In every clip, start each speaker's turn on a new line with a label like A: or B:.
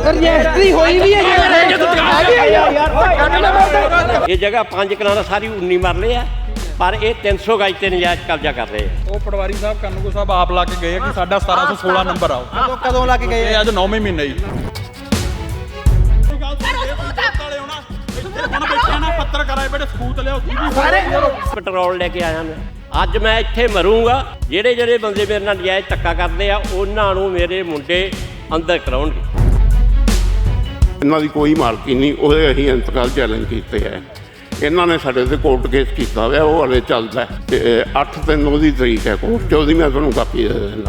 A: Registry ਹੋਈ ਵੀ ਹੈ
B: ਇਹ ਜਗ੍ਹਾ 5 ਕਨਾਲਾਂ ਸਾਰੀ 19 ਮਰਲੇ ਆ ਪਰ ਇਹ 300 ਗਜ ਤੇ ਨਜਾਇਜ਼ ਕਬਜ਼ਾ ਕਰ ਰਹੇ ਆ।
C: ਉਹ ਪਟਵਾਰੀ ਸਾਹਿਬ ਕਾਨੂੰਗੋ ਸਾਹਿਬ ਆਪ ਲਾ ਕੇ ਗਏ ਆ ਕਿ ਸਾਡਾ 1716 ਨੰਬਰ ਆਓ।
A: ਕਦੋਂ ਲਾ ਕੇ ਗਏ?
C: ਇਹ ਅੱਜ 9ਵੇਂ ਮਹੀਨੇ ਜੀ। ਹੁਣ ਬੈਠੇ ਨਾ ਪੱਤਰਕਾਰ ਆਏ ਬੜੇ ਸਬੂਤ ਲਿਆਓ ਸਾਰੇ।
B: ਪੈਟਰੋਲ ਲੈ ਕੇ ਆਇਆ ਮੈਂ ਅੱਜ ਮੈਂ ਇੱਥੇ ਮਰੂੰਗਾ। ਜਿਹੜੇ ਬੰਦੇ ਮੇਰੇ ਨਾਲ ਨਜਾਇਜ਼ ਧੱਕਾ ਕਰਦੇ ਆ ਉਹਨਾਂ ਨੂੰ ਮੇਰੇ ਮੁੰਡੇ ਅੰਦਰ ਕਰਾਉਣਗੇ।
D: ਇਹਨਾਂ ਦੀ ਕੋਈ ਮਾਲਕੀ ਨਹੀਂ, ਉਹਦੇ ਅਸੀਂ ਇੰਤਕਾਲ ਚੈਲੰਜ ਕੀਤੇ ਹੈ। ਇਹਨਾਂ ਨੇ ਸਾਡੇ ਤੇ ਕੋਰਟ ਕੇਸ ਕੀਤਾ ਹੋਇਆ, ਉਹ ਹਲੇ ਚੱਲਦਾ ਤੇ 8 ਤੇ 9 ਦੀ ਤਰੀਕ ਹੈ ਕੋਰਟ 'ਚ, ਉਹਦੀ ਮੈਂ ਤੁਹਾਨੂੰ ਕਾਪੀ ਦੇ ਦਿੰਦਾ।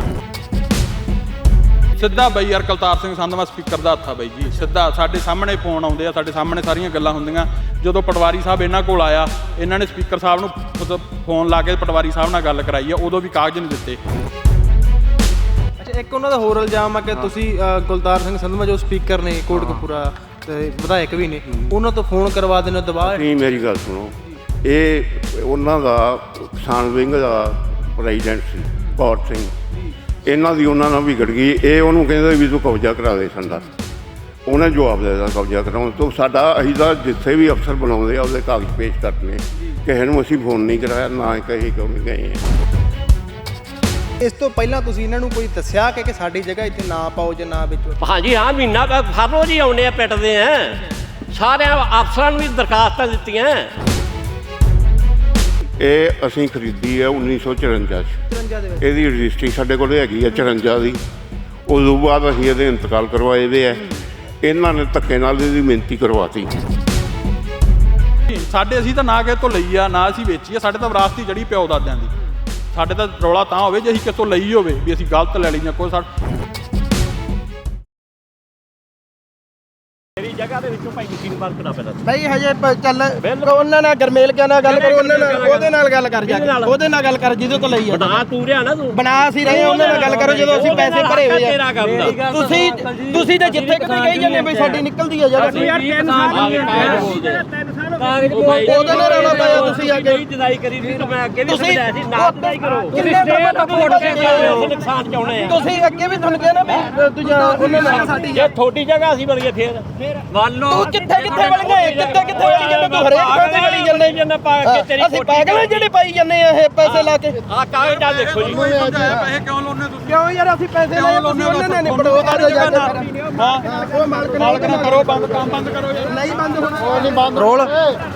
C: ਸਿੱਧਾ ਬਈ ਯਾਰ ਕਲਤਾਰ ਸਿੰਘ ਸੰਧਵਾ ਸਪੀਕਰ ਦਾ ਹੱਥ ਆ ਬਈ ਜੀ। ਸਿੱਧਾ ਸਾਡੇ ਸਾਹਮਣੇ ਫੋਨ ਆਉਂਦੇ ਆ, ਸਾਡੇ ਸਾਹਮਣੇ ਸਾਰੀਆਂ ਗੱਲਾਂ ਹੁੰਦੀਆਂ। ਜਦੋਂ ਪਟਵਾਰੀ ਸਾਹਿਬ ਇਹਨਾਂ ਕੋਲ ਆਇਆ, ਇਹਨਾਂ ਨੇ ਸਪੀਕਰ ਸਾਹਿਬ ਨੂੰ ਫੋਨ ਲਾ ਕੇ ਪਟਵਾਰੀ ਸਾਹਿਬ ਨਾਲ ਗੱਲ ਕਰਾਈ ਆ, ਉਦੋਂ ਵੀ ਕਾਗਜ਼ ਨਹੀਂ ਦਿੱਤੇ।
A: ਅੱਛਾ, ਇੱਕ ਉਹਨਾਂ ਦਾ ਹੋਰ ਇਲਜ਼ਾਮ ਆ ਕਿ ਤੁਸੀਂ ਕੁਲਤਾਰ ਸਿੰਘ ਸੰਧਵਾ ਜੋ ਸਪੀਕਰ ਨੇ ਕੋਟਕਪੂਰਾ ਤੇ ਵਿਧਾਇਕ ਵੀ ਨੇ, ਉਹਨਾਂ ਤੋਂ ਫੋਨ ਕਰਵਾ ਦੇਣਾ ਦਬਾਅ।
D: ਨਹੀਂ, ਮੇਰੀ ਗੱਲ ਸੁਣੋ, ਇਹ ਉਹਨਾਂ ਦਾ ਕਿਸਾਨ ਵਿੰਗ ਦਾ ਪ੍ਰੈਜ਼ੀਡੈਂਟ ਸੀ ਕੌਰ ਸਿੰਘ, ਇਹਨਾਂ ਦੀ ਉਹਨਾਂ ਨਾਲ ਵਿਗੜ ਗਈ। ਇਹ ਉਹਨੂੰ ਕਹਿੰਦੇ ਵੀ ਤੂੰ ਕਬਜ਼ਾ ਕਰਾ ਦੇ ਸੰਦਾ, ਉਹਨੇ ਜਵਾਬ ਦੇ ਦਿੱਤਾ ਕਬਜ਼ਾ ਕਰਾਉਣ ਤੋਂ। ਸਾਡਾ ਅਸੀਂ ਤਾਂ ਜਿੱਥੇ ਵੀ ਅਫਸਰ ਬਣਾਉਂਦੇ ਆ ਉਹਦੇ ਕਾਗਜ਼ ਪੇਸ਼ ਕਰਨੇ, ਕਿਸੇ ਨੂੰ ਅਸੀਂ ਫੋਨ ਨਹੀਂ ਕਰਾਇਆ, ਨਾ ਕਹੀ ਕਿਉਂ ਨਹੀਂ ਗਏ ਆ।
A: ਇਸ ਤੋਂ ਪਹਿਲਾਂ ਤੁਸੀਂ ਇਹਨਾਂ ਨੂੰ ਕੋਈ ਦੱਸਿਆ ਕਿ ਸਾਡੀ ਜਗ੍ਹਾ ਇੱਥੇ ਨਾ ਪਾਓ ਜਾਂ ਨਾ ਵੇਚੋ?
B: ਹਾਂਜੀ ਹਾਂ, ਮਹੀਨਾ ਹਰ ਰੋਜ਼ ਹੀ ਆਉਂਦੇ ਆ, ਪਿੱਟਦੇ ਆ। ਸਾਰਿਆਂ ਅਫਸਰਾਂ ਨੂੰ ਵੀ ਦਰਖਾਸਤਾਂ ਦਿੱਤੀਆਂ।
D: ਇਹ ਅਸੀਂ ਖਰੀਦੀ ਹੈ 1954 'ਚ।
A: 53 ਦੇ ਵਿੱਚ
D: ਇਹਦੀ ਰਜਿਸਟਰੀ ਸਾਡੇ ਕੋਲ ਹੈਗੀ ਹੈ 54 ਦੀ। ਉਦੋਂ ਬਾਅਦ ਅਸੀਂ ਇਹਦੇ ਇੰਤਕਾਲ ਕਰਵਾਏ ਦੇ ਹੈ। ਇਹਨਾਂ ਨੇ ਧੱਕੇ ਨਾਲ ਇਹਦੀ ਮਿਹਨਤੀ ਕਰਵਾਤੀ।
C: ਸਾਡੇ ਅਸੀਂ ਤਾਂ ਨਾ ਕਿਸੇ ਤੋਂ ਲਈ ਆ, ਨਾ ਅਸੀਂ ਵੇਚੀ ਆ। ਸਾਡੇ ਤਾਂ ਵਿਰਾਸਤੀ ਜੜੀ ਪਿਓ ਦਾਦਿਆਂ ਦੀ। ਸਾਡੇ ਤਾਂ ਰੌਲਾ ਤਾਂ ਹੋਵੇ ਜੇ ਅਸੀਂ ਕਿਸੇ ਤੋਂ ਲਈ ਹੋਵੇ ਵੀ ਅਸੀਂ ਗਲਤ ਲੈ ਲਈ ਜਾਂ ਕੋਈ
B: ਮੇਰੀ ਜਗ੍ਹਾ ਦੇ ਵਿੱਚੋਂ ਭਾਈ ਮਸ਼ੀਨ ਬੰਦ ਕਰਨਾ ਪੈਂਦਾ।
A: ਬਈ ਹਜੇ ਚੱਲ ਉਹਨਾਂ ਨਾਲ ਗਰਮੇਲ ਕਿਆ ਨਾਲ ਗੱਲ ਕਰੋ, ਉਹਨਾਂ ਨਾਲ ਉਹਦੇ ਨਾਲ ਗੱਲ ਕਰ ਜਾ ਕੇ, ਉਹਦੇ ਨਾਲ ਗੱਲ ਕਰ ਜਿਹਦੇ ਤੋਂ ਲਈ ਆ।
B: ਬਣਾ ਤੂੰ ਰਿਆ ਨਾ, ਤੂੰ
A: ਬਣਾ ਅਸੀਂ ਰਹੇ, ਉਹਨਾਂ ਨਾਲ ਗੱਲ ਕਰੋ ਜਦੋਂ ਅਸੀਂ ਪੈਸੇ ਭਰੇ ਹੋਏ ਆ। ਤੁਸੀਂ ਤਾਂ ਜਿੱਥੇ ਕਿਤੇ ਕਹੀ ਜਾਂਦੇ ਬਈ ਸਾਡੀ ਨਿਕਲਦੀ ਆ ਜਗ੍ਹਾ। ਉਹਦੇ ਨਾਲ ਰੌਲਾ ਪਾਇਆ ਤੁਸੀਂ ਆ ਕੇ।
B: ਜਦਾਈ ਕਰੀ ਸੀ ਤਾਂ ਮੈਂ ਅੱਗੇ ਵੀ ਸਮਝਾਇਆ ਸੀ ਨਾ ਜਦਾਈ ਕਰੋ। ਨੁਕਸਾਨ ਚਾਉਣੇ ਆ
A: ਤੁਸੀਂ ਅੱਗੇ ਵੀ ਤੁਹਾਨੂੰ ਕਹਿਣਾ ਵੀ ਦੂਜਾ ਉਹਨਾਂ ਨਾਲ ਸਾਡੀ
B: ਜੇ ਤੁਹਾਡੀ ਜਗ੍ਹਾ ਅਸੀਂ ਬਣ ਗਏ ਫੇਰ ਮੰਨ ਲਓ
A: ਤੂੰ ਕਿੱਥੇ ਵੜ ਗਏ, ਕਿੱਥੇ ਵੜੀ ਜਾਂਦੇ ਤੂੰ? ਹਰੇਕ ਥਾਂ ਤੇ ਵੜੀ ਜਾਂਦੇ।
B: ਪਾ ਕੇ ਤੇਰੀ
A: ਅਸੀਂ ਪਾਗਲ ਜਿਹੜੇ ਪਾਈ ਜਾਂਦੇ ਆ ਇਹ ਪੈਸੇ ਲਾ ਕੇ।
B: ਆਹ ਕਾਗਜ਼ ਨਾਲ ਦੇਖੋ ਜੀ।
C: ਪੈਸੇ ਕਿਉਂ ਲਾਉਣੇ ਤੁਸੀਂ?
A: ਕਿਉਂ ਯਾਰ ਅਸੀਂ ਪੈਸੇ ਲਏ, ਤੁਸੀਂ ਉਹਨਾਂ ਨੇ ਨਿਬੜੋ ਜਾ ਕੇ।
C: ਹਾਂ,
A: ਉਹ ਮਾਲਕ
C: ਨਾ ਕਰੋ ਬੰਦ, ਕੰਮ ਬੰਦ ਕਰੋ।
A: ਨਹੀਂ ਬੰਦ ਹੋਣਾ, ਉਹ ਨਹੀਂ ਬੰਦ ਰੋਲ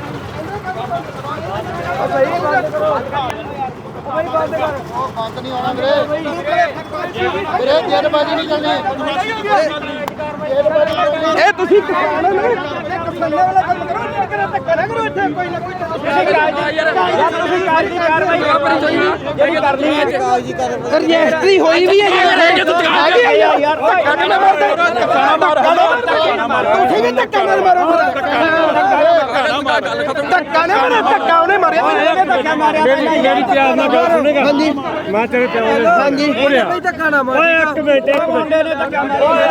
E: ਬੰਦ ਨਹੀਂ ਹੋਣਾ ਵੀਰੇ ਜੇਲਬਾਜ਼ੀ ਨਹੀਂ ਕਰਨੀ।
A: ਇਹ ਤੁਸੀਂ ਕੱਸਣੇ ਵਾਲਾ ਕੰਮ ਕਰੋ, ਧੱਕਾ ਨਾ ਕਰੋ ਇੱਥੇ। ਕੋਈ ਨਾ ਕੋਈ ਤੁਸੀਂ ਕਾਰਵਾਈ ਕਰਨੀ ਹੈ। ਰਜਿਸਟਰੀ ਹੋਈ ਵੀ ਹੈ ਯਾਰ। ਧੱਕਾ ਨਾ ਮਾਰੋ, ਤੁਸੀਂ ਵੀ ਧੱਕਾ ਨਾ ਮਾਰੋ। ਧੱਕਾ ਨਾ ਮਾਰੋ, ਧੱਕਾ ਉਹਨੇ ਮਾਰਿਆ, ਧੱਕਾ ਮਾਰਿਆ।
B: ਮੇਰੀ ਪਿਆਰ ਨਾਲ ਗੱਲ ਸੁਣੇਗਾ।
A: ਹਾਂਜੀ
B: ਮੈਂ ਤੇਰੇ ਪਿਆਰ ਨਾਲ
A: ਹਾਂਜੀ, ਕੋਈ ਧੱਕਾ ਨਾ ਮਾਰੋ।
B: ਓਏ ਇੱਕ ਮਿੰਟ ਨੇ ਧੱਕਾ ਮਾਰਿਆ।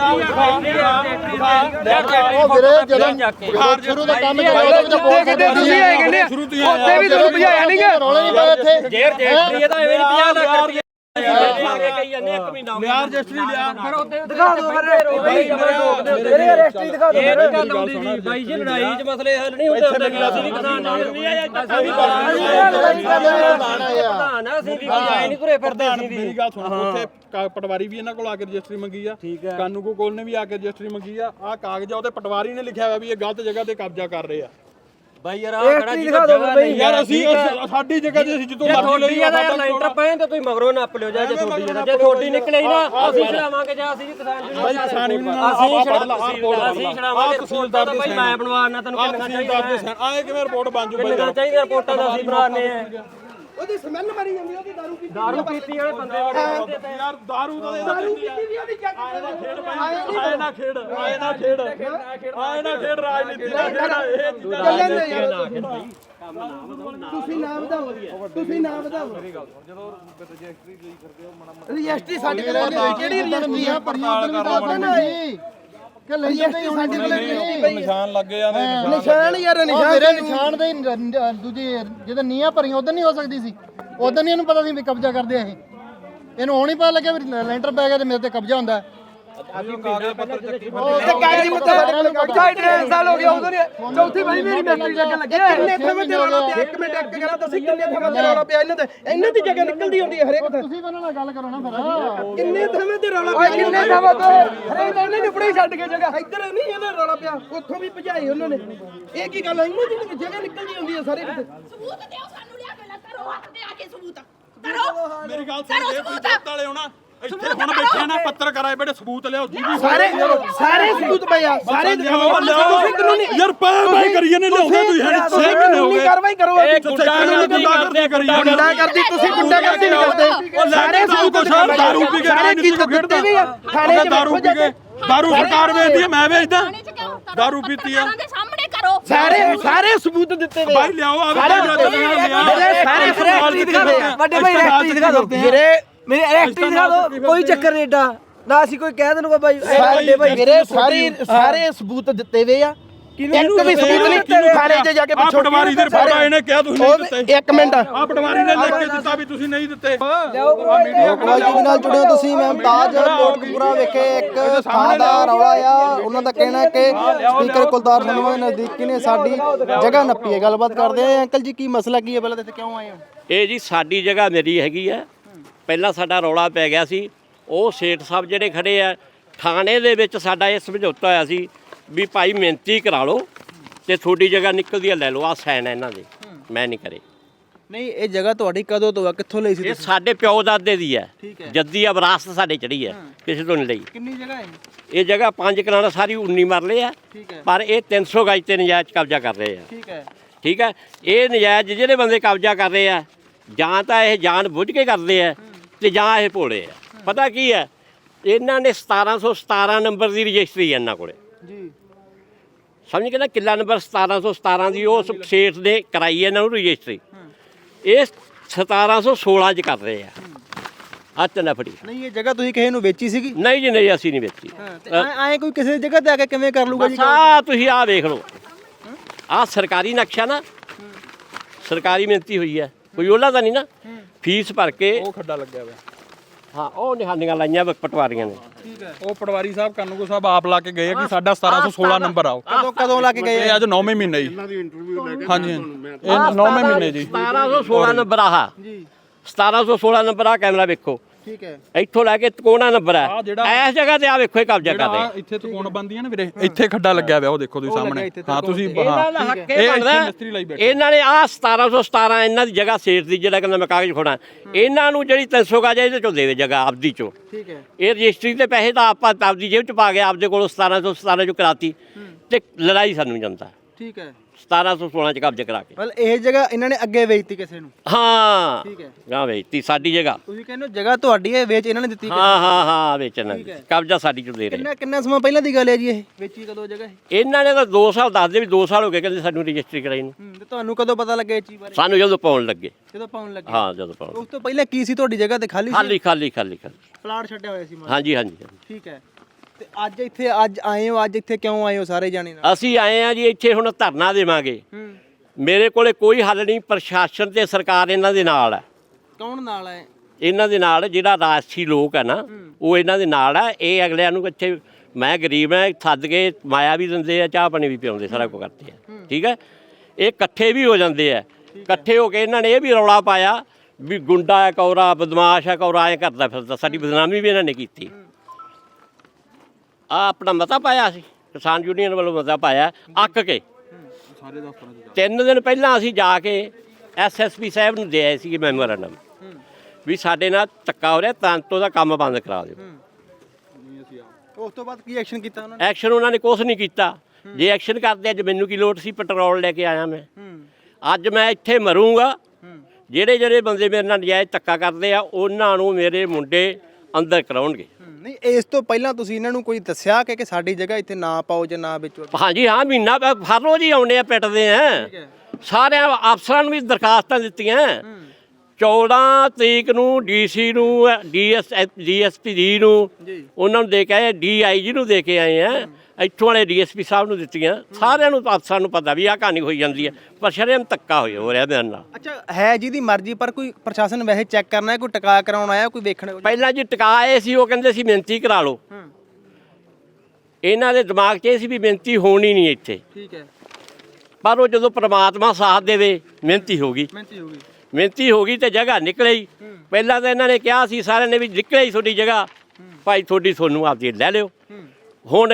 E: ਉਹ ਵੀਰੇ ਜਦੋਂ ਸ਼ੁਰੂ ਦਾ ਕੰਮ
A: ਕਿਤੇ ਤੁਸੀਂ ਆਏ ਕਹਿੰਦੇ ਉੱਥੇ ਵੀ ਤੁਹਾਨੂੰ ਭਜਾਇਆ ਨਹੀਂ ਗਾ।
E: ਰੌਲੇ ਨਹੀਂ ਪਏ ਇੱਥੇ।
B: ਜੇਰ ਜੇਸਟਰੀ ਇਹਦਾ ਐਵੇਂ ਨਹੀਂ 50 ਲੱਖ ਰੁਪਏ ਕਹੀ ਜਾਂਦੇ ਇੱਕ ਮਹੀਨਾ ਹੋ ਗਿਆ।
C: ਰਜਿਸਟਰੀ ਲਿਆ ਫਿਰ ਉਹਦੇ
A: ਦਿਖਾ ਦਿਓ ਫਿਰ ਮੇਰੇ ਰਜਿਸਟਰੀ ਦਿਖਾ ਦਿਓ।
B: ਇਹ ਗੱਲ ਆਉਂਦੀ ਸੀ ਬਾਈ ਜੀ, ਲੜਾਈ 'ਚ ਮਸਲੇ ਹੱਲ ਨਹੀਂ ਹੁੰਦੇ ਹੁੰਦੇ। ਅਸੀਂ ਵੀ ਕਿਸਾਨ ਨਹੀਂ ਆਏ, ਅਸੀਂ ਵੀ ਪ੍ਰਧਾਨ ਆ, ਅਸੀਂ ਵੀ ਆਏ ਨਹੀਂ ਤੁਰੇ ਫਿਰਦੇ। ਅਸੀਂ ਵੀ
C: ਮੇਰੀ ਗੱਲ ਸੁਣੋ, ਉੱਥੇ ਪਟਵਾਰੀ ਵੀ ਇਹਨਾਂ ਕੋਲ ਆ ਕੇ ਰਜਿਸਟਰੀ ਮੰਗੀ ਆ, ਕਾਨੂੰਗੋ ਕੋਲ ਨੇ ਵੀ ਆ ਕੇ ਰਜਿਸਟਰੀ ਮੰਗੀ ਆ। ਆਹ ਕਾਗਜ਼ ਆ, ਉਹਤੇ ਪਟਵਾਰੀ ਨੇ ਲਿਖਿਆ ਹੋਇਆ ਵੀ ਇਹ ਗਲਤ ਜਗ੍ਹਾ ਤੇ ਕਬਜ਼ਾ ਕਰ ਰਹੇ ਆ।
B: ਬਾਈ ਯਾਰ ਆਹ ਖੜਾ ਜੀ ਜਗ੍ਹਾ ਨਹੀਂ
C: ਯਾਰ ਅਸੀਂ ਸਾਡੀ ਜਗ੍ਹਾ ਤੇ ਅਸੀਂ ਜਿੱਦੋਂ ਮਰਜ਼ੀ ਲਈ ਆ।
B: ਸਾਡਾ ਲੈਂਟਰ ਪਏ ਤੇ ਤੁਸੀਂ ਮਗਰੋਂ ਨੱਪ ਲਿਓ। ਜੇ ਤੁਹਾਡੀ ਜਗ੍ਹਾ ਜੇ ਤੁਹਾਡੀ ਨਿਕਲੇ ਨਾ ਅਸੀਂ ਛੜਾਵਾਂਗੇ। ਜਾਂ ਅਸੀਂ ਵੀ ਕਿਸਾਨ
C: ਬਾਈ ਕਿਸਾਨੀ ਵੀ
B: ਅਸੀਂ ਛੜਾਵਾਂਗੇ। ਤਹਿਸੀਲਦਾਰ ਦਾ ਬਾਈ ਮੈਂ ਬਣਵਾਉਣਾ ਤੈਨੂੰ ਕਿੰਨਾ ਚਾਹੀਦਾ।
C: ਆਏ ਕਿਵੇਂ ਰਿਪੋਰਟ ਬਣ ਜੂ
B: ਕਿੰਨਾ ਚਾਹੀਦਾ ਰਿਪੋਰਟਾਂ ਦਾ ਅਸੀਂ ਬਣਾਉਂਦੇ ਆ।
A: ਉਹਦੀ ਸਮੈਲ ਮਰੀ ਜਾਂਦੀ, ਉਹਦੀ
B: ਦਾਰੂ ਪੀਤੀ ਵਾਲੇ ਬੰਦੇ ਬੜੇ
C: ਯਾਰ ਦਾਰੂ ਦਾ
A: ਦਾਰੂ ਪੀਤੀ ਵੀ ਉਹਦੀ ਚੱਕ
C: ਆਏ ਨਾ ਖੇਡ ਰਾਜਨੀਤੀ ਦਾ ਖੇਡ।
A: ਤੁਸੀਂ ਨਾ ਵਧਾਓ, ਤੁਸੀਂ ਨਾ ਵਧਾਓ।
C: ਜਦੋਂ ਰਜਿਸਟਰੀ ਲਈ ਕਰਦੇ ਹੋ
A: ਰਜਿਸਟਰੀ ਸਾਡੇ ਕੋਲ ਕਿਹੜੀ ਰਜਿਸਟਰੀ ਆ?
E: ਪੜਤਾਲ ਕਰਵਾਉਣੀ ਕਿ ਲਈ ਜਾਂਦੇ
A: ਸਾਡੇ ਕੋਲ
C: ਨਿਸ਼ਾਨ ਲੱਗੇ ਜਾਂਦੇ।
A: ਨਿਸ਼ਾਨ ਯਾਰ,
E: ਉਹ ਮੇਰੇ ਨਿਸ਼ਾਨ ਦੇ ਦੂਜੀ ਜਦੋਂ ਨੀਆਂ ਭਰੀਆਂ ਉਦੋਂ ਨਹੀਂ ਹੋ ਸਕਦੀ ਸੀ। ਉਦੋਂ ਨਹੀਂ ਇਹਨੂੰ ਪਤਾ ਸੀ ਵੀ ਕਬਜ਼ਾ ਕਰਦੇ ਆ ਇਹ। ਇਹਨੂੰ ਹੁਣ ਹੀ ਪਤਾ ਲੱਗਿਆ ਵੀ ਲੈਂਟਰ ਪੈ ਗਿਆ ਤੇ ਮੇਰੇ ਤੇ ਕਬਜ਼ਾ ਹੁੰਦਾ।
A: ਤੇ ਕਾਗਜ਼ੀ ਪੱਤਰ ਸਾਡੇ ਕੋਲ ਕਾਗਜ਼ 2.5 ਸਾਲ ਹੋ ਗਿਆ ਉਦੋਂ ਨਹੀਂ ਚੌਥੀ ਵਾਰੀ ਮੇਰੀ ਮਿਸਤਰੀ ਜਗ੍ਹਾ ਲੱਗੀ ਕਿੰਨੇ ਥਾਂ ਤੇ ਰੌਲਾ ਪਿਆ ਇੱਕ ਮਿੰਟ ਇੱਕ ਗੱਲ ਦੱਸੀ ਕਿੰਨੇ ਥਾਂ ਤੇ ਰੌਲਾ ਪਿਆ ਇਹਨਾਂ ਦੀ ਜਗ੍ਹਾ ਨਿਕਲਦੀ ਹੁੰਦੀ ਹੈ ਹਰੇਕ ਥਾਂ
E: ਤੁਸੀਂ ਉਹਨਾਂ ਨਾਲ ਗੱਲ ਕਰੋ ਨਾ ਫਿਰ
A: ਕਿੰਨੇ ਥਾਂ ਤੇ ਰੌਲਾ ਪਿਆ ਕਿੰਨੇ ਥਾਂ ਤੇ ਹਰੇਕ ਤਾਂ ਇਹਨੇ ਨਿਪੜੇ ਛੱਡ ਕੇ ਜਗ੍ਹਾ ਇੱਧਰ ਨਹੀਂ ਇਹਦਾ ਰੌਲਾ ਪਿਆ ਉੱਥੋਂ ਵੀ ਭਜਾਈ ਉਹਨਾਂ ਨੇ ਇਹ ਕੀ ਗੱਲ ਹੈ ਇਹਨਾਂ ਦੀ ਜਗ੍ਹਾ ਨਿਕਲਦੀ ਹੁੰਦੀ ਹੈ ਸਾਰੇ ਕਿਤੇ
F: ਸਬੂਤ ਦਿਓ ਸਾਨੂੰ ਲਿਆ ਕੇ ਕਰੋ ਹੱਥ ਤੇ ਆ ਕੇ ਸਬੂਤ ਕਰੋ
C: ਮੇਰੀ ਗੱਲ ਸੁਣ ਜੇ ਤੁਸੀਂ ਪੁੱਤ ਵਾਲੇ ਹੋਣਾ ਇੱਥੇ ਹੁਣ ਬੈਠੇ ਨਾ ਪੱਤਰਕਾਰ ਆਏ ਬੜੇ ਸਬੂਤ ਲਿਆਓ ਜੀ
A: ਸਾਰੇ ਸਬੂਤ ਪਏ ਆ ਸਾਰੇ ਤੁਸੀਂ ਕਾਨੂੰਨੀ
C: ਯਾਰ ਪਾਈ ਕਰੀਏ ਨੇ ਲਿਆਉਂਦੇ ਤੁਸੀਂ ਹੈ 6 ਮਹੀਨੇ ਹੋ ਗਏ
A: ਕਾਰਵਾਈ ਕਰੋ
B: ਇਹ ਗੁੰਡਾਗਰਦੀ ਕਰੀਏ
A: ਗੁੰਡਾ ਕਰਦੀ ਤੁਸੀਂ ਗੁੰਡਾ ਕਰਦੀ ਨਹੀਂ ਕਰਦੇ ਸਾਰੇ ਸਬੂਤ
C: ਦਾਰੂ ਪੀ ਕੇ
A: ਸਾਰੇ ਕੀ ਦਿੱਤੇ ਵੀ ਆ ਥਾਣੇ ਚ
C: ਦਾਰੂ ਪੀ ਕੇ ਦਾਰੂ ਸਰਕਾਰ ਵੇਚਦੀ ਹੈ ਮੈਂ ਵੇਚਦਾ
F: ਥਾਣੇ ਚ ਕਿਉਂ
C: ਦਾਰੂ ਪੀਤੀ ਆ
F: ਦੇ ਸਾਹਮਣੇ ਕਰੋ
A: ਸਾਰੇ ਸਬੂਤ ਦਿੱਤੇ ਵੇ
C: ਭਾਈ ਲਿਆਓ
A: ਸਾਰੇ
G: ਵੱਡੇ ਭਾਈ ਰੈਕਟਰੀ ਦਿਖਾ ਦਿਓ
A: ਵੀਰੇ
G: ਮੇਰੇ ਰੈਕਟਰੀ ਦਿਖਾ ਦਿਓ ਕੋਈ ਚੱਕਰ ਨਹੀਂ ਏਡਾ ਨਾ ਅਸੀਂ ਕੋਈ ਕਹਿ ਦੇਣਗੇ ਭਾਈ ਵੱਡੇ ਭਾਈ
A: ਵੀਰੇ ਸਾਰੇ ਸਬੂਤ ਦਿੱਤੇ ਵੇ ਆ ਇੱਕ ਵੀ ਸਬੂਤ ਨਹੀਂ ਥਾਣੇ 'ਚ ਜਾ ਕੇ ਪੁੱਛੋ
C: ਪਟਵਾਰੀ ਦੇ ਰਿਪੋਰਟ ਆਏ ਨੇ ਕਿਹਾ ਤੁਸੀਂ ਨਹੀਂ ਦਿੱਤੇ
A: ਇੱਕ ਮਿੰਟ
C: ਆ ਪਟਵਾਰੀ ਨੇ ਲਿਖ ਕੇ ਦਿੱਤਾ ਵੀ ਤੁਸੀਂ ਨਹੀਂ ਦਿੱਤੇ
E: ਲੋਕਵਾਲ ਟੀਵੀ ਨਾਲ ਜੁੜੇ ਹੋ ਤੁਸੀਂ ਮੈਂ ਮੁਮਤਾਜ ਕੋਟਕਪੂਰਾ ਵਿਖੇ ਇੱਕ ਥਾਂ ਦਾ ਰੌਲਾ ਆ ਉਹਨਾਂ ਦਾ ਕਹਿਣਾ ਹੈ ਕਿ ਸਪੀਕਰ ਕੁਲਤਾਰ ਸੰਧਵਾ ਦੇ ਨਜ਼ਦੀਕੀ ਨੇ ਸਾਡੀ ਜਗ੍ਹਾ ਨੱਪੀ ਹੈ ਗੱਲਬਾਤ ਕਰਦੇ ਆ ਅੰਕਲ ਜੀ ਕੀ ਮਸਲਾ ਕੀ ਹੈ ਪਹਿਲਾਂ ਇੱਥੇ ਕਿਉਂ ਆਏ ਹੋ
B: ਇਹ ਜੀ ਸਾਡੀ ਜਗ੍ਹਾ ਮੇਰੀ ਹੈਗੀ ਆ ਪਹਿਲਾਂ ਸਾਡਾ ਰੌਲਾ ਪੈ ਗਿਆ ਸੀ ਉਹ ਸੇਠ ਸਾਹਿਬ ਜਿਹੜੇ ਖੜੇ ਆ ਥਾਣੇ ਦੇ ਵਿੱਚ ਸਾਡਾ ਇਹ ਸਮਝੌਤਾ ਹੋਇਆ ਸੀ ਵੀ ਭਾਈ ਮਿਹਨਤੀ ਕਰਾ ਲਓ ਤੇ ਤੁਹਾਡੀ ਜਗ੍ਹਾ ਨਿਕਲਦੀ ਆ ਲੈ ਲਓ ਆ ਸਾਈਨ ਇਹਨਾਂ ਦੇ ਮੈਂ ਨਹੀਂ ਕਰੇ
G: ਨਹੀਂ ਇਹ ਜਗ੍ਹਾ ਤੁਹਾਡੀ ਕਦੋਂ ਤੋਂ ਆ ਕਿੱਥੋਂ ਲਈ ਸੀ
B: ਇਹ ਸਾਡੇ ਪਿਓ ਦਾਦੇ ਦੀ ਹੈ
G: ਠੀਕ ਹੈ।
B: ਜੱਦੀ ਆ ਵਿਰਾਸਤ ਸਾਡੇ ਚੜੀ ਹੈ ਕਿਸੇ ਤੋਂ ਨਹੀਂ ਲਈ
G: ਕਿੰਨੀ ਜਗ੍ਹਾ ਹੈ
B: ਇਹ ਜਗ੍ਹਾ 5 ਕਨਾਲਾਂ ਸਾਰੀ 19 ਮਰਲੇ ਆ
G: ਠੀਕ ਹੈ
B: ਪਰ ਇਹ 300 ਗਜ ਤੇ ਨਜਾਇਜ਼ ਕਬਜ਼ਾ ਕਰ ਰਹੇ ਆ
G: ਠੀਕ ਹੈ
B: ਠੀਕ ਹੈ ਇਹ ਨਜਾਇਜ਼ ਜਿਹੜੇ ਬੰਦੇ ਕਬਜ਼ਾ ਕਰ ਰਹੇ ਆ ਜਾਂ ਤਾਂ ਇਹ ਜਾਣ ਬੁੱਝ ਕੇ ਕਰਦੇ ਆ ਤੇ ਜਾਂ ਇਹ ਭੋਲੇ ਆ ਪਤਾ ਕੀ ਹੈ ਇਹਨਾਂ ਨੇ 1717 ਨੰਬਰ ਦੀ ਰਜਿਸਟਰੀ ਹੈ ਇਹਨਾਂ ਕੋਲੇ
G: ਜੀ
B: ਸਮਝ ਕੇ ਨਾ ਕਿੱਲਾ ਨੰਬਰ 1717 ਦੀ ਉਸ ਸੇਠ ਨੇ ਕਰਾਈ ਹੈ ਇਹਨਾਂ ਨੂੰ ਰਜਿਸਟਰੀ ਇਹ 1716 ਚ ਕਰ ਰਹੇ ਆ ਹੱਥ ਨਾ ਫੜੀ
G: ਨਹੀਂ ਇਹ ਜਗ੍ਹਾ ਤੁਸੀਂ ਕਿਸੇ ਨੂੰ ਵੇਚੀ ਸੀਗੀ
B: ਨਹੀਂ ਜੀ ਨਹੀਂ ਅਸੀਂ ਨਹੀਂ ਵੇਚੀ
G: ਆਏ ਕੋਈ ਕਿਸੇ ਜਗ੍ਹਾ ਤੇ ਆ ਕੇ ਕਿਵੇਂ ਕਰ ਲੂਗਾ ਜੀ
B: ਆ ਤੁਸੀਂ ਆ ਵੇਖ ਲਓ ਆ ਸਰਕਾਰੀ ਨਕਸ਼ਾ ਨਾ ਸਰਕਾਰੀ ਮਿਹਨਤੀ ਹੋਈ ਹੈ ਕੋਈ ਉਹਲਾ ਤਾਂ ਨਹੀਂ ਨਾ ਫੀਸ ਭਰ ਕੇ
C: ਉਹ ਖੱਡਾ ਲੱਗਿਆ ਹੋਇਆ
B: ਹਾਂ ਉਹ ਨਿਸ਼ਾਨੀਆਂ ਲਾਈਆਂ ਪਟਵਾਰੀਆਂ ਨੇ
C: ਉਹ ਪਟਵਾਰੀ ਸਾਹਿਬ ਕਾਨੂੰਗੋ ਸਾਹਿਬ ਆਪ ਲਾ ਕੇ ਗਏ ਆ ਕਿ ਸਾਡਾ 1716 ਨੰਬਰ ਆਓ
G: ਕਦੋਂ ਲਾ ਕੇ ਗਏ
C: ਇਹ ਅੱਜ 9ਵੇਂ ਮਹੀਨੇ ਜੀ
D: ਇਹਨਾਂ ਦੀ ਇੰਟਰਵਿਊ ਲੈ ਕੇ
C: ਹਾਂਜੀ ਇਹ 9ਵੇਂ ਮਹੀਨੇ ਜੀ
B: 1716 ਨੰਬਰ ਆਹ
G: ਜੀ
B: 1716 ਨੰਬਰ ਆ ਕੈਮਰਾ ਵੇਖੋ
G: ਠੀਕ ਹੈ
B: ਇੱਥੋਂ ਲੈ ਕੇ ਕੋਣਾ ਨੰਬਰ
C: ਆਹ
B: ਹੈ
C: ਜਿਹੜਾ-
B: ਇਸ ਜਗ੍ਹਾ ਤੇ ਆ ਵੇਖੋ ਇਹ ਕਬਜ਼ਾ
C: ਜਿਹੜਾ
B: ਕਰ
C: ਆਹ
B: ਰਹੇ
C: ਇੱਥੇ ਤਕੋਣ ਬੰਦੀਆਂ ਨੇ ਵੀਰੇ ਇੱਥੇ ਖੱਡਾ ਲੱਗਿਆ ਹੋਇਆ ਉਹ ਦੇਖੋ ਤੁਸੀਂ ਸਾਹਮਣੇ ਹਾਂ ਤੁਸੀਂ
B: ਇਹਨਾਂ ਦਾ ਹੱਕ ਇਹ
C: ਇਹ
B: ਬਣਦਾ
C: ਇੱਥੇ ਮਿਸਤਰੀ ਲਈ ਬੈਠੇ
B: ਇਹਨਾਂ ਨੇ ਆ 1717 ਇਹਨਾਂ ਦੀ ਜਗ੍ਹਾ ਸੇਠ ਦੀ ਜਿਹੜਾ ਕਹਿੰਦਾ ਮੈਂ ਕਾਗਜ਼ ਖੋਣਾ ਇਹਨਾਂ ਨੂੰ ਜਿਹੜੀ 300 ਗਜ ਇਹਦੇ ਚੋਂ ਦੇਵੇ ਜਗ੍ਹਾ ਆਪਦੀ ਚੋਂ
G: ਠੀਕ ਹੈ
B: ਇਹ ਰਜਿਸਟਰੀ ਦੇ ਪੈਸੇ ਤਾਂ ਆਪਾਂ ਆਪਦੀ ਜੇਬ ਚ ਪਾ ਕੇ ਆਪਦੇ ਕੋਲੋਂ 1717 ਚੋਂ ਕਰਾਤੀ ਤੇ ਲੜਾਈ ਸਾਨੂੰ ਜਾਂਦਾ
G: ਠੀਕ ਹੈ
B: 1716 ਚ ਕਬਜ਼ਾ ਕਰਾ ਕੇ
G: ਮਤਲਬ ਇਹ ਜਗ੍ਹਾ ਇਹਨਾਂ ਨੇ ਅੱਗੇ ਵੇਚਤੀ ਕਿਸੇ ਨੂੰ
B: ਹਾਂ
G: ਠੀਕ ਹੈ
B: ਗਾਂ ਵੇਚਤੀ ਸਾਡੀ ਜਗ੍ਹਾ
G: ਤੁਸੀਂ ਕਹਿੰਦੇ ਹੋ ਜਗ੍ਹਾ ਤੁਹਾਡੀ ਹੈ ਵੇਚ ਇਹਨਾਂ ਨੇ ਦਿੱਤੀ
B: ਹਾਂ ਵੇਚਣਾ ਕਬਜ਼ਾ ਸਾਡੀ ਚੋਂ ਦੇ ਰਹੇ
G: ਕਿੰਨਾ ਸਮਾਂ ਪਹਿਲਾਂ ਦੀ ਗੱਲ ਹੈ ਜੀ ਇਹ ਵੇਚੀ ਕਦੋਂ ਜਗ੍ਹਾ ਇਹ
B: ਇਹਨਾਂ ਨੇ ਤਾਂ 2 ਸਾਲ ਦੱਸਦੇ ਵੀ 2 ਸਾਲ ਹੋ ਗਏ ਕਹਿੰਦੇ ਸਾਨੂੰ ਰਜਿਸਟਰੀ ਕਰਾਈ ਨੂੰ
G: ਤੇ ਤੁਹਾਨੂੰ ਕਦੋਂ ਪਤਾ ਲੱਗਿਆ ਇਹ ਚੀਜ਼ ਬਾਰੇ
B: ਸਾਨੂੰ ਜਦੋਂ ਪਾਉਣ ਲੱਗੇ
G: ਜਦੋਂ ਪਾਉਣ ਲੱਗੇ
B: ਹਾਂ ਜਦੋਂ ਪਾਉਣ
G: ਉਸ ਤੋਂ ਪਹਿਲਾਂ ਕੀ ਸੀ ਤੁਹਾਡੀ ਜਗ੍ਹਾ ਤੇ ਖਾਲੀ ਸੀ
B: ਖਾਲੀ
G: ਪਲਾਟ ਛੱਡਿਆ ਹੋਇਆ ਸੀ
B: ਹਾਂਜੀ
G: ਠੀਕ ਹੈ ਤੇ ਅੱਜ ਆਏ ਹੋ ਅੱਜ ਇੱਥੇ ਕਿਉਂ ਆਏ ਹੋ ਸਾਰੇ ਜਾਣੇ ਨਾਲ
B: ਅਸੀਂ ਆਏ ਆ ਜੀ ਇੱਥੇ ਹੁਣ ਧਰਨਾ ਦੇਵਾਂਗੇ ਮੇਰੇ ਕੋਲੇ ਕੋਈ ਹੱਲ ਨਹੀਂ ਪ੍ਰਸ਼ਾਸਨ ਤੇ ਸਰਕਾਰ ਇਹਨਾਂ ਦੇ ਨਾਲ ਹੈ
G: ਕੌਣ ਨਾਲ ਹੈ
B: ਇਹਨਾਂ ਦੇ ਨਾਲ ਜਿਹੜਾ ਰਾਜਸੀ ਲੋਕ ਹੈ ਨਾ ਉਹ ਇਹਨਾਂ ਦੇ ਨਾਲ ਹੈ ਇਹ ਅਗਲਿਆਂ ਨੂੰ ਇੱਥੇ ਮੈਂ ਗਰੀਬ ਹਾਂ ਸੱਦ ਕੇ ਮਾਇਆ ਵੀ ਦਿੰਦੇ ਆ ਚਾਹ ਪਾਣੀ ਵੀ ਪਿਆਉਂਦੇ ਸਾਰਾ ਕੁਝ ਕਰਦੇ ਆ ਠੀਕ ਹੈ ਇਹ ਇਕੱਠੇ ਵੀ ਹੋ ਜਾਂਦੇ ਆ ਇਕੱਠੇ ਹੋ ਕੇ ਇਹਨਾਂ ਨੇ ਇਹ ਵੀ ਰੌਲਾ ਪਾਇਆ ਵੀ ਗੁੰਡਾ ਹੈ ਕੌਰਾ ਬਦਮਾਸ਼ ਹੈ ਕੌਰਾ ਐਂ ਕਰਦਾ ਫਿਰਦਾ ਸਾਡੀ ਬਦਨਾਮੀ ਵੀ ਇਹਨਾਂ ਨੇ ਕੀਤੀ ਆ ਆਪਣਾ ਮਤਾ ਪਾਇਆ ਸੀ ਕਿਸਾਨ ਯੂਨੀਅਨ ਵੱਲੋਂ ਮਤਾ ਪਾਇਆ ਅੱਕ ਕੇ 3 ਦਿਨ ਪਹਿਲਾਂ ਅਸੀਂ ਜਾ ਕੇ ਐਸਐਸਪੀ ਸਾਹਿਬ ਨੂੰ ਦੇ ਆਏ ਸੀ ਮੈਮੋਰੰਡਮ ਵੀ ਸਾਡੇ ਨਾਲ ਧੱਕਾ ਹੋ ਰਿਹਾ ਤਾਂਤੋਂ ਦਾ ਕੰਮ ਬੰਦ ਕਰਾ ਦਿਓ
G: ਉਸ ਤੋਂ ਬਾਅਦ ਕੀ ਐਕਸ਼ਨ ਕੀਤਾ ਉਹਨਾਂ ਨੇ
B: ਐਕਸ਼ਨ ਉਹਨਾਂ ਨੇ ਕੁਛ ਨਹੀਂ ਕੀਤਾ ਜੇ ਐਕਸ਼ਨ ਕਰਦੇ ਅੱਜ ਮੈਨੂੰ ਕੀ ਲੋੜ ਸੀ ਪੈਟਰੋਲ ਲੈ ਕੇ ਆਇਆ ਮੈਂ ਅੱਜ ਮੈਂ ਇੱਥੇ ਮਰੂੰਗਾ ਜਿਹੜੇ ਬੰਦੇ ਮੇਰੇ ਨਾਲ ਨਜਾਇਜ਼ ਧੱਕਾ ਕਰਦੇ ਆ ਉਹਨਾਂ ਨੂੰ ਮੇਰੇ ਮੁੰਡੇ ਅੰਦਰ ਕਰਾਉਣਗੇ
G: ਨਹੀਂ ਇਸ ਤੋਂ ਪਹਿਲਾਂ ਤੁਸੀਂ ਇਹਨਾਂ ਨੂੰ ਕੋਈ ਦੱਸਿਆ ਕਿ ਸਾਡੀ ਜਗ੍ਹਾ ਇੱਥੇ ਨਾ ਪਾਓ ਜਾਂ ਨਾ ਵੇਚੋ
B: ਹਾਂਜੀ ਹਾਂ ਮਹੀਨਾ ਹਰ ਰੋਜ਼ ਹੀ ਆਉਂਦੇ ਆ ਪਿੱਟਦੇ ਆ ਸਾਰਿਆਂ ਅਫਸਰਾਂ ਨੂੰ ਵੀ ਦਰਖਾਸਤਾਂ ਦਿੱਤੀਆਂ 14 ਤਰੀਕ ਨੂੰ ਡੀਸੀ ਨੂੰ ਡੀਐਸਪੀ ਜੀ ਨੂੰ ਉਹਨਾਂ ਨੂੰ ਦੇ ਕੇ ਆਏ ਡੀਆਈਜੀ ਨੂੰ ਦੇ ਕੇ ਆਏ ਆ ਇੱਥੋਂ ਵਾਲੇ ਡੀਐਸਪੀ ਸਾਹਿਬ ਨੂੰ ਦਿੱਤੀਆਂ ਸਾਰਿਆਂ ਨੂੰ ਅਫਸਰਾਂ ਨੂੰ ਪਤਾ ਵੀ ਆਹ ਕਹਾਣੀ ਹੋਈ ਜਾਂਦੀ ਹੈ ਪਰ ਸ਼ਰੇਆਮ ਧੱਕਾ ਹੋ ਰਿਹਾ ਮੇਰੇ ਨਾਲ
G: ਅੱਛਾ ਹੈ ਜਿਹਦੀ ਮਰਜ਼ੀ ਪਰ ਕੋਈ ਪ੍ਰਸ਼ਾਸਨ ਵੈਸੇ ਚੈੱਕ ਕਰਨਾ ਹੈ ਕੋਈ ਟਿਕਾ ਕਰਾਉਣ ਆਇਆ ਕੋਈ ਵੇਖਣ
B: ਪਹਿਲਾਂ ਜੀ ਟਿਕਾ ਆਏ ਸੀ ਉਹ ਕਹਿੰਦੇ ਸੀ ਮਿਹਨਤੀ ਕਰਾ ਲਓ ਇਹਨਾਂ ਦੇ ਦਿਮਾਗ 'ਚ ਇਹ ਸੀ ਵੀ ਮਿਹਨਤੀ ਹੋਣੀ ਨਹੀਂ ਇੱਥੇ,
E: ਠੀਕ ਹੈ,
B: ਪਰ ਉਹ ਜਦੋਂ ਪ੍ਰਮਾਤਮਾ ਸਾਥ ਦੇਵੇ ਮਿਹਨਤੀ ਹੋ ਗਈ, ਮਿਹਨਤੀ ਹੋ ਗਈ ਤੇ ਜਗ੍ਹਾ ਨਿਕਲੇ ਹੀ। ਪਹਿਲਾਂ ਤਾਂ ਇਹਨਾਂ ਨੇ ਕਿਹਾ ਸੀ ਸਾਰਿਆਂ ਨੇ ਵੀ ਨਿਕਲੇ ਹੀ ਤੁਹਾਡੀ ਜਗ੍ਹਾ, ਭਾਈ ਤੁਹਾਨੂੰ ਆਪਦੀ ਲੈ ਲਿਓ। ਹੁਣ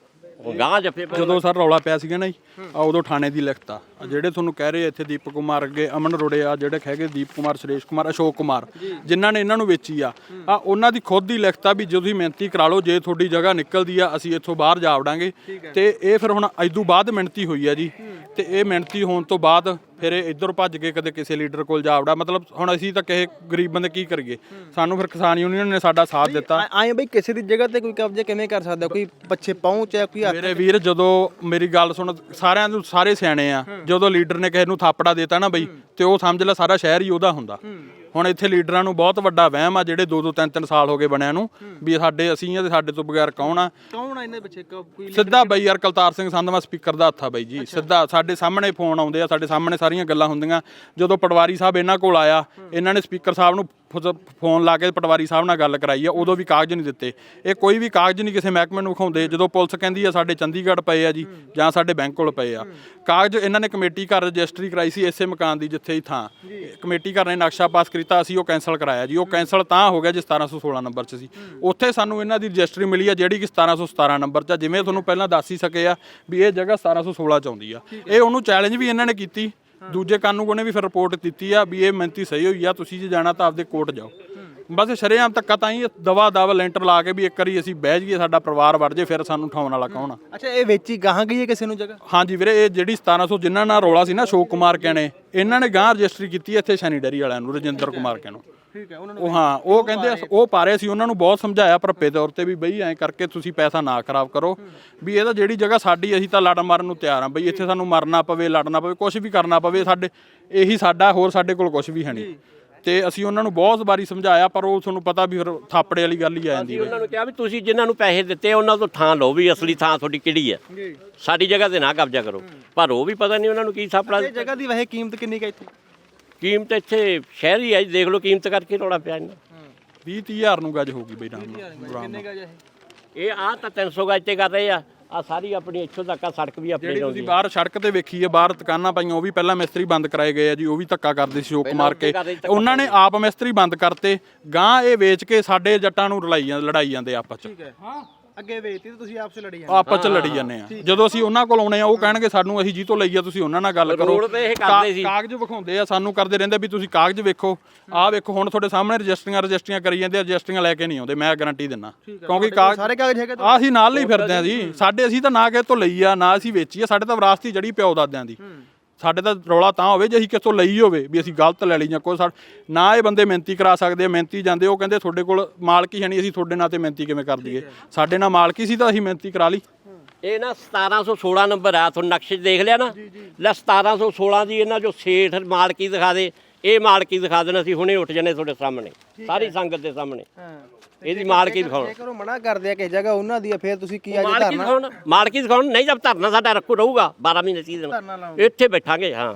B: ਗਾਂ ਜੱਫੇ
C: ਜਦੋਂ ਸਰ ਰੌਲਾ ਪਿਆ ਸੀਗਾ ਨਾ ਜੀ, ਉਦੋਂ ਥਾਣੇ ਦੀ ਲਿਖਤ ਆ ਜਿਹੜੇ ਤੁਹਾਨੂੰ ਕਹਿ ਰਹੇ ਇੱਥੇ ਦੀਪਕ ਕੁਮਾਰ ਅੱਗੇ ਅਮਨ ਰੋੜੇ ਆ, ਜਿਹੜੇ ਹੈਗੇ ਦੀਪ ਕੁਮਾਰ, ਸੁਰੇਸ਼ ਕੁਮਾਰ, ਅਸ਼ੋਕ ਕੁਮਾਰ, ਜਿਨ੍ਹਾਂ ਨੇ ਇਹਨਾਂ ਨੂੰ ਵੇਚੀ ਆ ਉਹਨਾਂ ਦੀ ਖੁਦ ਦੀ ਲਿਖਤ ਆ ਵੀ ਜੇ ਤੁਸੀਂ ਮਿਹਨਤੀ ਕਰਾ ਲਓ, ਜੇ ਤੁਹਾਡੀ ਜਗ੍ਹਾ ਨਿਕਲਦੀ ਆ ਅਸੀਂ ਇੱਥੋਂ ਬਾਹਰ ਜਾ ਵੜਾਂਗੇ। ਤੇ ਇਹ ਫਿਰ ਹੁਣ ਇਦੋਂ ਬਾਅਦ ਮਿਹਨਤੀ ਹੋਈ ਆ ਜੀ, ਤੇ ਇਹ ਮਿਹਨਤੀ ਹੋਣ ਤੋਂ ਬਾਅਦ ਫਿਰ ਇਹ ਇੱਧਰ ਭੱਜ ਕੇ ਕਦੇ ਕਿਸੇ ਲੀਡਰ ਕੋਲ ਜਾ ਵੜਾ। ਮਤਲਬ ਹੁਣ ਅਸੀਂ ਤਾਂ ਕਿਸੇ ਗਰੀਬ ਬੰਦੇ ਕੀ ਕਰੀਏ, ਸਾਨੂੰ ਫਿਰ ਕਿਸਾਨ ਯੂਨੀਅਨ ਨੇ ਸਾਡਾ ਸਾਥ ਦਿੱਤਾ।
E: ਆਏ ਬਈ ਕਿਸੇ ਦੀ ਜਗ੍ਹਾ ਤੇ ਕੋਈ ਕਬਜ਼ਾ ਕਿਵੇਂ ਕਰ ਸਕਦਾ, ਕੋਈ ਪਿੱਛੇ ਪਹੁੰਚ ਹੈ, ਕੋਈ
C: ਮੇਰੇ ਵੀਰ ਜਦੋਂ ਮੇਰੀ ਗੱਲ ਸੁਣ, ਸਾਰਿਆਂ ਨੂੰ ਸਾਰੇ ਸਿਆਣੇ ਆ, ਜਦੋਂ ਲੀਡਰ ਨੇ ਕਿਸੇ ਨੂੰ ਥਾਪੜਾ ਦੇਤਾ ਨਾ ਬਈ, ਤੇ ਉਹ ਸਮਝ ਲੈ ਸਾਰਾ ਸ਼ਹਿਰ ਹੀ ਉਹਦਾ ਹੁੰਦਾ। ਹੁਣ ਇੱਥੇ ਲੀਡਰਾਂ ਨੂੰ ਬਹੁਤ ਵੱਡਾ ਵਹਿਮ ਆ, ਜਿਹੜੇ 2-2 3-3 ਸਾਲ ਹੋ ਗਏ ਬਣਿਆਂ ਨੂੰ, ਵੀ ਸਾਡੇ ਅਸੀਂ ਆ ਤੇ ਸਾਡੇ ਤੋਂ ਬਗੈਰ ਕੌਣ ਆ
E: ਇਹਦੇ ਪਿੱਛੇ ਕੋਈ
C: ਸਿੱਧਾ ਬਈ ਯਾਰ ਕਲਤਾਰ ਸਿੰਘ ਸੰਧਵਾ ਸਪੀਕਰ ਦਾ ਹੱਥ ਆ ਬਈ ਜੀ, ਸਿੱਧਾ ਸਾਡੇ ਸਾਹਮਣੇ ਫੋਨ ਆਉਂਦੇ ਆ, ਸਾਡੇ ਸਾਹਮਣੇ ਸਾਰੀਆਂ ਗੱਲਾਂ ਹੁੰਦੀਆਂ। ਜਦੋਂ ਪਟਵਾਰੀ ਸਾਹਿਬ ਇਹਨਾਂ ਕੋਲ ਆਇਆ, ਇਹਨਾਂ ਨੇ ਸਪੀਕਰ ਸਾਹਿਬ ਨੂੰ ਫੋਨ ਲਾ ਕੇ ਪਟਵਾਰੀ ਸਾਹਿਬ ਨਾਲ ਗੱਲ ਕਰਾਈ ਆ, ਉਦੋਂ ਵੀ ਕਾਗਜ਼ ਨਹੀਂ ਦਿੱਤੇ। ਇਹ ਕੋਈ ਵੀ ਕਾਗਜ਼ ਨਹੀਂ ਕਿਸੇ ਮਹਿਕਮੇ ਨੂੰ ਵਿਖਾਉਂਦੇ। ਜਦੋਂ ਪੁਲਿਸ ਕਹਿੰਦੀ ਆ ਸਾਡੇ ਚੰਡੀਗੜ੍ਹ ਪਏ ਆ ਜੀ, ਜਾਂ ਸਾਡੇ ਬੈਂਕ ਕੋਲ ਪਏ ਆ ਕਾਗਜ਼, ਇਹਨਾਂ ਨੇ ਕਮੇਟੀ ਘਰ ਰਜਿਸਟਰੀ ਕਰਾਈ ਸੀ ਇਸੇ ਮਕਾਨ ਦੀ ਜਿੱਥੇ ਹੀ ਥਾਂ, ਕਮੇਟੀ ਘਰ ਨੇ ਨਕਸ਼ਾ ਪਾਸ ਕੀਤਾ, ਅਸੀਂ ਉਹ ਕੈਂਸਲ ਕਰਾਇਆ ਜੀ। ਉਹ ਕੈਂਸਲ ਤਾਂ ਹੋ ਗਿਆ ਜੀ 1716 ਨੰਬਰ 'ਚ ਸੀ, ਉੱਥੇ ਸਾਨੂੰ ਇਹਨਾਂ ਦੀ ਰਜਿਸਟਰੀ ਮਿਲੀ ਆ ਜਿਹੜੀ ਕਿ 1717 ਨੰਬਰ 'ਚ ਆ। ਜਿਵੇਂ ਤੁਹਾਨੂੰ ਪਹਿਲਾਂ ਦੱਸ ਹੀ ਸਕੇ ਆ ਵੀ ਇਹ ਜਗ੍ਹਾ 1716 'ਚ ਆਉਂਦੀ ਆ। ਇਹ ਉਹਨੂੰ ਚੈਲੰਜ ਵੀ ਇਹਨਾਂ ਨੇ ਕੀਤੀ, ਦੂਜੇ ਕਾਨੂੰਗੋ ਨੇ ਵੀ ਫਿਰ ਰਿਪੋਰਟ ਦਿੱਤੀ ਆ ਵੀ ਇਹ ਮਿਹਨਤੀ ਸਹੀ ਹੋਈ ਆ, ਤੁਸੀਂ ਜੇ ਜਾਣਾ ਤਾਂ ਆਪਦੇ ਕੋਰਟ ਜਾਓ। ਬਸ ਸ਼ਰੇਆਮ ਧੱਕਾ ਤਾਂ ਹੀ ਦਵਾ ਲੈਂਟਰ ਲਾ ਕੇ ਵੀ ਇੱਕ ਵਾਰੀ ਅਸੀਂ ਬਹਿ ਜਾਈਏ, ਸਾਡਾ ਪਰਿਵਾਰ ਵੜ ਜੇ, ਫਿਰ ਸਾਨੂੰ ਉਠਾਉਣ ਵਾਲਾ ਕੌਣ ਆ।
E: ਅੱਛਾ, ਇਹ ਵੇਚੀ ਗਾਹਾਂ ਗਈ ਹੈ ਕਿਸੇ ਨੂੰ ਜਗ੍ਹਾ?
C: ਹਾਂਜੀ ਵੀਰੇ, ਇਹ ਜਿਹੜੀ 1700 ਜਿਨ੍ਹਾਂ ਨਾਲ ਰੌਲਾ ਸੀ ਨਾ, ਅਸ਼ੋਕ ਕੁਮਾਰ ਕਹਿਣੇ, ਇਹਨਾਂ ਨੇ ਗਾਂ ਰਜਿਸਟਰੀ ਕੀਤੀ ਇੱਥੇ ਸ਼ੈਨੀ ਡੈਰੀ ਵਾਲਿਆਂ ਨੂੰ, ਰਜਿੰਦਰ ਕੁਮਾਰ ਕਹਿਣੋ।
E: ਠੀਕ ਹੈ,
C: ਉਹ ਹਾਂ ਉਹ ਕਹਿੰਦੇ ਉਹ ਪਾ ਰਹੇ ਸੀ, ਉਹਨਾਂ ਨੂੰ ਬਹੁਤ ਸਮਝਾਇਆ ਭਰਪੇ ਤੌਰ ਤੇ ਵੀ ਬਈ ਐਂ ਕਰਕੇ ਤੁਸੀਂ ਪੈਸਾ ਨਾ ਖਰਾਬ ਕਰੋ, ਵੀ ਇਹ ਤਾਂ ਜਿਹੜੀ ਜਗ੍ਹਾ ਸਾਡੀ, ਅਸੀਂ ਤਾਂ ਲੜ ਮਾਰਨ ਨੂੰ ਤਿਆਰ ਹਾਂ ਬਈ, ਇੱਥੇ ਸਾਨੂੰ ਮਰਨਾ ਪਵੇ, ਲੜਨਾ ਪਵੇ, ਕੁਝ ਵੀ ਕਰਨਾ ਪਵੇ, ਸਾਡੇ ਇਹੀ ਸਾਡਾ, ਹੋਰ ਸਾਡੇ ਕੋਲ ਕੁਝ ਵੀ ਹੈ ਨਹੀਂ। ਤੇ ਅਸੀਂ ਉਹਨਾਂ ਨੂੰ ਬਹੁਤ ਵਾਰੀ ਸਮਝਾਇਆ, ਪਰ ਉਹ ਤੁਹਾਨੂੰ ਪਤਾ ਵੀ ਫਿਰ ਥਾਪੜੇ ਵਾਲੀ ਗੱਲ ਹੀ ਆ ਜਾਂਦੀ ਹੈ।
B: ਉਹਨਾਂ ਨੂੰ ਕਿਹਾ ਵੀ ਤੁਸੀਂ ਜਿਨ੍ਹਾਂ ਨੂੰ ਪੈਸੇ ਦਿੱਤੇ ਉਹਨਾਂ ਤੋਂ ਥਾਂ ਲਓ, ਵੀ ਅਸਲੀ ਥਾਂ ਤੁਹਾਡੀ ਕਿਹੜੀ ਹੈ, ਸਾਡੀ ਜਗ੍ਹਾ ਤੇ ਨਾ ਕਬਜ਼ਾ ਕਰੋ। ਪਰ ਉਹ ਵੀ ਪਤਾ ਨਹੀਂ ਉਹਨਾਂ ਨੂੰ ਕੀ ਥਾਪੜਾ।
E: ਇਹ ਜਗ੍ਹਾ ਦੀ ਵੈਸੇ ਕੀਮਤ ਕਿੰਨੀ ਕੁ ਇੱਥੇ?
B: ਕੀਮਤ ਇੱਥੇ ਸ਼ਹਿਰੀ ਹੈ, ਦੇਖ ਲਓ ਕੀਮਤ ਕਰਕੇ ਰੌਲਾ ਪਿਆ ਇਹਨਾਂ।
C: 20-30 ਹਜ਼ਾਰ ਨੂੰ ਗੱਜ ਹੋਊਗੀ ਬਈ ਰਾਮ
E: ਕਿੰਨੇ ਗਜ
B: ਇਹ ਆਹ ਤਾਂ 300 ਗਜ ਤੇ ਕਰ ਰਹੇ ਆ, ਆ ਸਾਰੀ ਆਪਣੀ ਇੱਥੋਂ ਤੱਕ ਆ ਸੜਕ ਵੀ ਆਪਣੀ
C: ਜਿਹੜੀ
B: ਲਾਉਂਦੀ
C: ਤੁਸੀਂ ਬਾਹਰ ਸੜਕ ਤੇ ਵੇਖੀ ਹੈ, ਬਾਹਰ ਦੁਕਾਨਾਂ ਪਾਈਆਂ, ਉਹ ਵੀ ਪਹਿਲਾਂ ਮਿਸਤਰੀ ਬੰਦ ਕਰਾਏ ਗਏ ਆ ਜੀ, ਉਹ ਵੀ ਧੱਕਾ ਕਰਦੇ ਸੀ ਸ਼ੋਕ ਮਾਰ ਕੇ। ਉਹਨਾਂ ਨੇ ਆਪ ਮਿਸਤਰੀ ਬੰਦ ਕਰਤੇ, ਗਾਂ ਇਹ ਵੇਚ ਕੇ ਸਾਡੇ ਜੱਟਾਂ ਨੂੰ ਲੜਾਈ ਜਾਂਦੇ ਆਪਸ ਚ।
E: ਠੀਕ ਹੈ, ਅੱਗੇ ਵੇਚਤੀ ਤੇ ਤੁਸੀਂ ਆਪਸ ਲੜੀ
C: ਆਪਸ ਚ ਲੜੀ ਜਾਂਦੇ ਆ। ਜਦੋਂ ਅਸੀਂ ਉਹਨਾਂ ਕੋਲ ਆਉਣੇ ਆ, ਉਹ ਕਹਿਣਗੇ ਸਾਨੂੰ, ਅਸੀਂ ਜੀ ਤੋਂ ਲਈ ਆ, ਤੁਸੀਂ ਉਹਨਾਂ ਨਾਲ ਗੱਲ ਕਰੋ।
B: ਰੋਡ ਤੇ ਇਹ ਕਰਦੇ ਸੀ,
C: ਕਾਗਜ਼ ਵਿਖਾਉਂਦੇ ਆ, ਸਾਨੂੰ ਕਰਦੇ ਰਹਿੰਦੇ ਵੀ ਤੁਸੀਂ ਕਾਗਜ਼ ਵੇਖੋ, ਆਹ ਵੇਖੋ। ਹੁਣ ਤੁਹਾਡੇ ਸਾਹਮਣੇ ਰਜਿਸਟਰੀਆਂ ਕਰੀ ਜਾਂਦੇ ਆ, ਰਜਿਸਟਰੀਆਂ ਲੈ ਕੇ ਨਹੀਂ ਆਉਂਦੇ, ਮੈਂ ਗਾਰੰਟੀ ਦਿੰਦਾ, ਕਿਉਂਕਿ
E: ਸਾਰੇ ਕਾਗਜ਼ ਹੈਗੇ
C: ਆਹ ਅਸੀਂ ਨਾਲ ਲਈ ਫਿਰਦੇ ਆ ਜੀ। ਸਾਡੇ ਅਸੀਂ ਤਾਂ ਨਾ ਕਿਸੇ ਤੋਂ ਲਈ ਆ, ਨਾ ਅਸੀਂ ਵੇਚੀ ਆ, ਸਾਡੇ ਤਾਂ ਵਿਰਾਸਤੀ ਜੜੀ ਪਿਓ ਦਾਦਿਆਂ ਦੀ। ਸਾਡੇ ਤਾਂ ਰੌਲਾ ਤਾਂ ਹੋਵੇ ਜੇ ਅਸੀਂ ਕਿਸੇ ਤੋਂ ਲਈ ਹੋਵੇ, ਵੀ ਅਸੀਂ ਗਲਤ ਲੈ ਲਈ ਜਾਂ ਕੋਈ ਨਾ। ਇਹ ਬੰਦੇ ਮਿਹਨਤੀ ਕਰਾ ਸਕਦੇ ਆ, ਮਿਹਨਤੀ ਜਾਂਦੇ, ਉਹ ਕਹਿੰਦੇ ਤੁਹਾਡੇ ਕੋਲ ਮਾਲਕੀ ਹੈ ਨਹੀਂ, ਅਸੀਂ ਤੁਹਾਡੇ ਨਾਂ ਤੇ ਮਿਹਨਤੀ ਕਿਵੇਂ ਕਰ ਦਈਏ, ਸਾਡੇ ਨਾਲ ਮਾਲਕੀ ਸੀ ਤਾਂ ਅਸੀਂ ਮਿਹਨਤੀ ਕਰਾ ਲਈ।
B: ਇਹ ਨਾ 1716 ਨੰਬਰ ਆ, ਤੁਹਾਨੂੰ ਨਕਸ਼ੇ 'ਚ ਦੇਖ ਲਿਆ ਨਾ, ਲੈ 1716 ਦੀ ਇਹਨਾਂ ਜੋ ਸੇਠ ਮਾਲਕੀ ਦਿਖਾ ਦੇ, ਇਹ ਮਾਲਕੀ ਦਿਖਾ ਦੇਣਾ, ਅਸੀਂ ਹੁਣੇ ਉੱਠ ਜਾਣੇ ਤੁਹਾਡੇ ਸਾਹਮਣੇ, ਸਾਰੀ ਸੰਗਤ ਦੇ ਸਾਹਮਣੇ ਇਹਦੀ ਮਾਲਕੀ ਦਿਖਾਉਣ।
E: ਜੇਕਰ ਉਹ ਮਨਾ ਕਰਦੇ ਆ ਕਿ ਜਗ੍ਹਾ ਉਹਨਾਂ ਦੀ ਆ, ਫਿਰ ਤੁਸੀਂ ਕੀ ਅੱਜ
B: ਮਾਲਕੀ ਦਿਖਾਉਣ, ਮਾਲਕੀ ਦਿਖਾਉਣ ਨਹੀਂ, ਜਦ ਧਰਨਾ ਸਾਡਾ ਰਹੂਗਾ 12 ਮਹੀਨੇ 30 ਦਿਨ ਇੱਥੇ ਬੈਠਾਂਗੇ। ਹਾਂ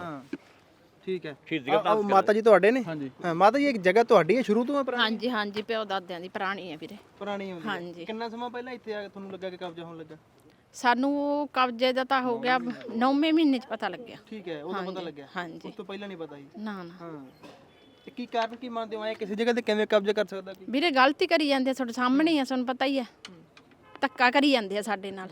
E: ਠੀਕ ਹੈ।
B: ਸ਼ਹੀਦੀਆਂ
E: ਮਾਤਾ ਜੀ ਤੁਹਾਡੇ ਨੇ?
C: ਹਾਂਜੀ।
E: ਹਾਂ ਮਾਤਾ ਜੀ, ਇੱਕ ਜਗ੍ਹਾ ਤੁਹਾਡੀ ਹੈ ਸ਼ੁਰੂ ਤੋਂ?
F: ਹਾਂਜੀ ਹਾਂਜੀ, ਪਿਓ ਦਾਦਿਆਂ ਦੀ ਪੁਰਾਣੀ ਹੈ ਵੀਰੇ।
E: ਪੁਰਾਣੀ ਹੁੰਦੀ?
F: ਹਾਂਜੀ।
E: ਕਿੰਨਾ ਸਮਾਂ ਪਹਿਲਾਂ ਇੱਥੇ ਆ ਕੇ ਤੁਹਾਨੂੰ ਲੱਗਾ ਕਿ ਕਬਜ਼ਾ ਹੋਣ ਲੱਗਾ?
F: ਸਾਨੂੰ ਕਬਜ਼ੇ ਦਾ ਤਾਂ ਹੋ ਗਿਆ 9ਵੇਂ ਮਹੀਨੇ 'ਚ ਪਤਾ ਲੱਗਿਆ।
E: ਠੀਕ ਹੈ, ਉਦੋਂ ਪਤਾ ਲੱਗਿਆ?
F: ਹਾਂਜੀ।
E: ਉਸ ਤੋਂ ਪਹਿਲਾਂ ਨਹੀਂ ਪਤਾ ਸੀ?
F: ਨਾ ਨਾ
E: ਹਾਂ, ਤੇ ਕੀ ਕਾਰਨ ਕੀ ਮੰਨਦੇ ਹੋ, ਕਿਸੇ ਜਗ੍ਹਾ ਤੇ ਕਿਵੇਂ ਕਬਜ਼ਾ ਕਰ ਸਕਦਾ ਕੋਈ?
F: ਵੀਰੇ ਗਲਤੀ ਕਰੀ ਜਾਂਦੇ ਆ, ਤੁਹਾਡੇ ਸਾਹਮਣੇ ਹੀ ਆ, ਤੁਹਾਨੂੰ ਪਤਾ ਹੀ ਆ, ਧੱਕਾ ਕਰੀ ਜਾਂਦੇ ਆ ਸਾਡੇ ਨਾਲ।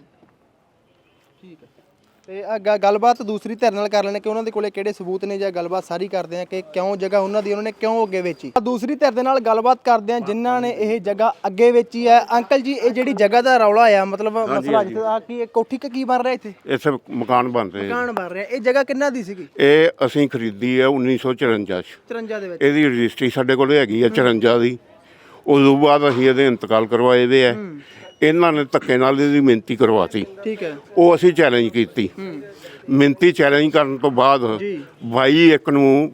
E: ਠੀਕ ਹੈ, ਤੇ ਗੱਲਬਾਤ ਦੂਸਰੀ ਧਿਰ ਨਾਲ ਕਰ ਲੈਣੇ ਕਿ ਉਹਨਾਂ ਦੇ ਕੋਲੇ ਕਿਹੜੇ ਸਬੂਤ ਨੇ, ਜਾਂ ਗੱਲਬਾਤ ਸਾਰੀ ਕਰਦੇ ਆ ਕਿ ਕਿਉਂ ਜਗ੍ਹਾ ਉਹਨਾਂ ਦੀ, ਉਹਨਾਂ ਨੇ ਕਿਉਂ ਅੱਗੇ ਵੇਚੀ। ਦੂਸਰੀ ਧਿਰ ਦੇ ਨਾਲ ਗੱਲਬਾਤ ਕਰਦੇ ਆ ਜਿਨ੍ਹਾਂ ਨੇ ਇਹ ਜਗ੍ਹਾ ਅੱਗੇ ਵੇਚੀ ਹੈ। ਅੰਕਲ ਜੀ, ਇਹ ਜਿਹੜੀ ਜਗ੍ਹਾ ਦਾ ਰੌਲਾ ਆ, ਮਤਲਬ ਮਸਲਾ ਜਿੱਥੇ ਆ ਕਿ ਇਹ ਕੋਠੀ ਕੀ ਬਣ ਰਿਹਾ ਇੱਥੇ?
D: ਇੱਥੇ ਮਕਾਨ ਬਣ ਰਹੇ ਆ।
E: ਮਕਾਨ ਬਣ ਰਿਹਾ। ਇਹ ਜਗ੍ਹਾ ਕਿੰਨਾ ਦੀ ਸੀਗੀ?
D: ਇਹ ਅਸੀਂ ਖਰੀਦੀ ਹੈ 1954 ਚ।
E: 54 ਦੇ ਵਿੱਚ?
D: ਇਹਦੀ ਰਜਿਸਟਰੀ ਸਾਡੇ ਕੋਲ ਹੈਗੀ ਆ 54 ਦੀ। ਉਦੋਂ ਬਾਅਦ ਅਸੀਂ ਇਹਦੇ ਇੰਤਕਾਲ ਕਰਵਾਏ ਵੇ ਆ। ਇਹਨਾਂ ਨੇ ਧੱਕੇ ਨਾਲ ਇਹਦੀ ਮਿਹਨਤੀ ਕਰਵਾਤੀ।
E: ਠੀਕ ਹੈ।
D: ਉਹ ਅਸੀਂ ਚੈਲੰਜ ਕੀਤੀ। ਮਿਹਨਤੀ ਚੈਲੰਜ ਕਰਨ ਤੋਂ ਬਾਅਦ 22/1 ਨੂੰ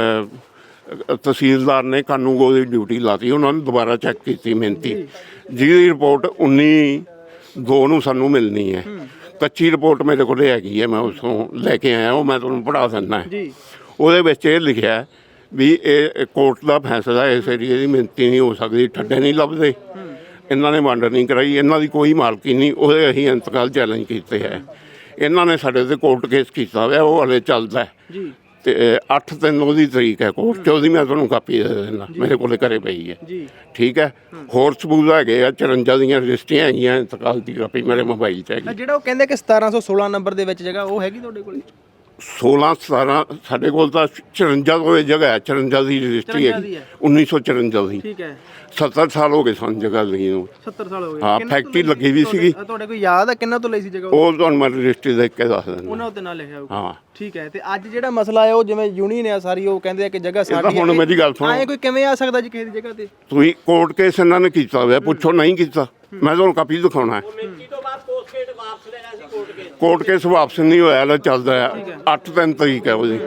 D: ਤਹਿਸੀਲਦਾਰ ਨੇ ਕਾਨੂੰਗੋ ਦੀ ਡਿਊਟੀ ਲਾਤੀ। ਉਹਨਾਂ ਨੇ ਦੁਬਾਰਾ ਚੈੱਕ ਕੀਤੀ ਮਿਹਨਤੀ, ਜਿਹਦੀ ਰਿਪੋਰਟ 19/2 ਨੂੰ ਸਾਨੂੰ ਮਿਲਣੀ ਹੈ। ਕੱਚੀ ਰਿਪੋਰਟ ਮੇਰੇ ਕੋਲ ਹੈਗੀ ਹੈ, ਮੈਂ ਉਸੋਂ ਲੈ ਕੇ ਆਇਆ, ਉਹ ਮੈਂ ਤੁਹਾਨੂੰ ਪੜ੍ਹਾ ਦਿੰਦਾ। ਉਹਦੇ ਵਿੱਚ ਇਹ ਲਿਖਿਆ ਵੀ ਇਹ ਕੋਰਟ ਦਾ ਫੈਸਲਾ, ਇਸ ਏਰੀਏ ਦੀ ਮਿਹਨਤੀ ਨਹੀਂ ਹੋ ਸਕਦੀ, ਠੱਡੇ ਨਹੀਂ ਲੱਭਦੇ, ਇਹਨਾਂ ਨੇ ਵੰਡ ਨਹੀਂ ਕਰਾਈ, ਇਹਨਾਂ ਦੀ ਕੋਈ ਮਾਲਕੀ ਨਹੀਂ, ਉਹਦੇ ਅਸੀਂ ਇੰਤਕਾਲ ਚੈਲੰਜ ਕੀਤੇ ਹੈ। ਇਹਨਾਂ ਨੇ ਸਾਡੇ ਤੇ ਕੋਰਟ ਕੇਸ ਕੀਤਾ ਹੋਇਆ, ਉਹ ਹਲੇ ਚੱਲਦਾ ਜੀ। ਤੇ 8 ਉਹਦੀ ਤਰੀਕ ਹੈ ਕੋਰਟ 'ਚ, ਉਹਦੀ ਮੈਂ ਤੁਹਾਨੂੰ ਕਾਪੀ ਦੇ ਦਿੰਦਾ, ਮੇਰੇ ਕੋਲੇ ਘਰੇ ਪਈ ਹੈ ਜੀ। ਠੀਕ ਹੈ, ਹੋਰ ਸਬੂਤ ਹੈਗੇ ਆ, 54 ਦੀਆਂ ਰਜਿਸਟਰੀਆਂ ਹੈਗੀਆਂ, ਇੰਤਕਾਲ ਦੀ ਕਾਪੀ ਮੇਰੇ ਮੋਬਾਈਲ 'ਚ ਹੈਗੀ।
E: ਜਿਹੜਾ ਉਹ ਕਹਿੰਦੇ ਕਿ 1716 ਨੰਬਰ ਦੇ ਵਿੱਚ ਜਗ੍ਹਾ ਉਹ ਹੈਗੀ ਤੁਹਾਡੇ ਕੋਲ?
D: 16 17 ਸਾਡੇ ਕੋਲ ਤਾਂ 54 ਤੋਂ ਇਹ ਜਗ੍ਹਾ ਹੈ, 54 ਦੀ ਰਜਿਸਟਰੀ ਹੈ, 1954 ਦੀ।
E: ਠੀਕ ਹੈ,
D: 70 ਸਾਲ ਹੋ ਗਏ ਸਾਨੂੰ ਜਗ੍ਹਾ ਲਈ ਨੂੰ।
E: 70 ਸਾਲ ਹੋ ਗਏ।
D: ਹਾਂ, ਫੈਕਟਰੀ ਲੱਗੀ ਵੀ ਸੀਗੀ।
E: ਤੁਹਾਡੇ ਕੋਈ ਯਾਦ ਹੈ ਕਿੰਨਾ ਤੋਂ ਲਈ ਸੀ ਜਗ੍ਹਾ?
D: ਉਹ ਤੁਹਾਨੂੰ ਮੈਂ ਰਜਿਸਟਰੀ ਦੇਖ ਕੇ ਦੱਸ ਦਿੰਦਾ।
E: ਉਹਨਾਂ ਉੱਤੇ ਨਾਂ ਲਿਖਿਆ ਹੋਊਗਾ।
D: ਹਾਂ
E: ਠੀਕ ਹੈ, ਤੇ ਅੱਜ ਜਿਹੜਾ ਮਸਲਾ ਹੈ ਉਹ ਜਿਵੇਂ ਯੂਨੀਅਨ ਆ ਸਾਰੀ, ਉਹ ਕਹਿੰਦੇ ਆ ਕਿ ਜਗ੍ਹਾ ਸਾਡੀ ਹੈ।
D: ਹੁਣ ਮੇਰੀ ਗੱਲ ਸੁਣੋ,
E: ਐਂ ਕੋਈ ਕਿਵੇਂ ਆ ਸਕਦਾ ਜੀ ਕਿਸੇ ਦੀ ਜਗ੍ਹਾ ਤੇ?
D: ਤੁਸੀਂ ਕੋਰਟ ਕੇਸ ਇਹਨਾਂ ਨੇ ਕੀਤਾ ਹੋਇਆ, ਪੁੱਛੋ ਨਹੀਂ ਕੀਤਾ, ਮੈਂ ਤੁਹਾਨੂੰ ਕਾਪੀ ਦਿਖਾਉਣਾ ਹੈ।
B: ਮਿੰਤੀ ਤੋਂ ਬਾਅਦ ਪੋਸਟਕੇਟ ਵਾਪਸ ਲੈਣਾ ਸੀ ਕੋਰਟ ਕੇ।
D: ਕੋਰਟ ਕੇਸ ਵਾਪਸ ਨਹੀਂ ਹੋਇਆ, ਹਲੇ ਚੱਲਦਾ ਹੈ। 8 ਤਰੀਕ ਹੈ ਉਹਦੀ।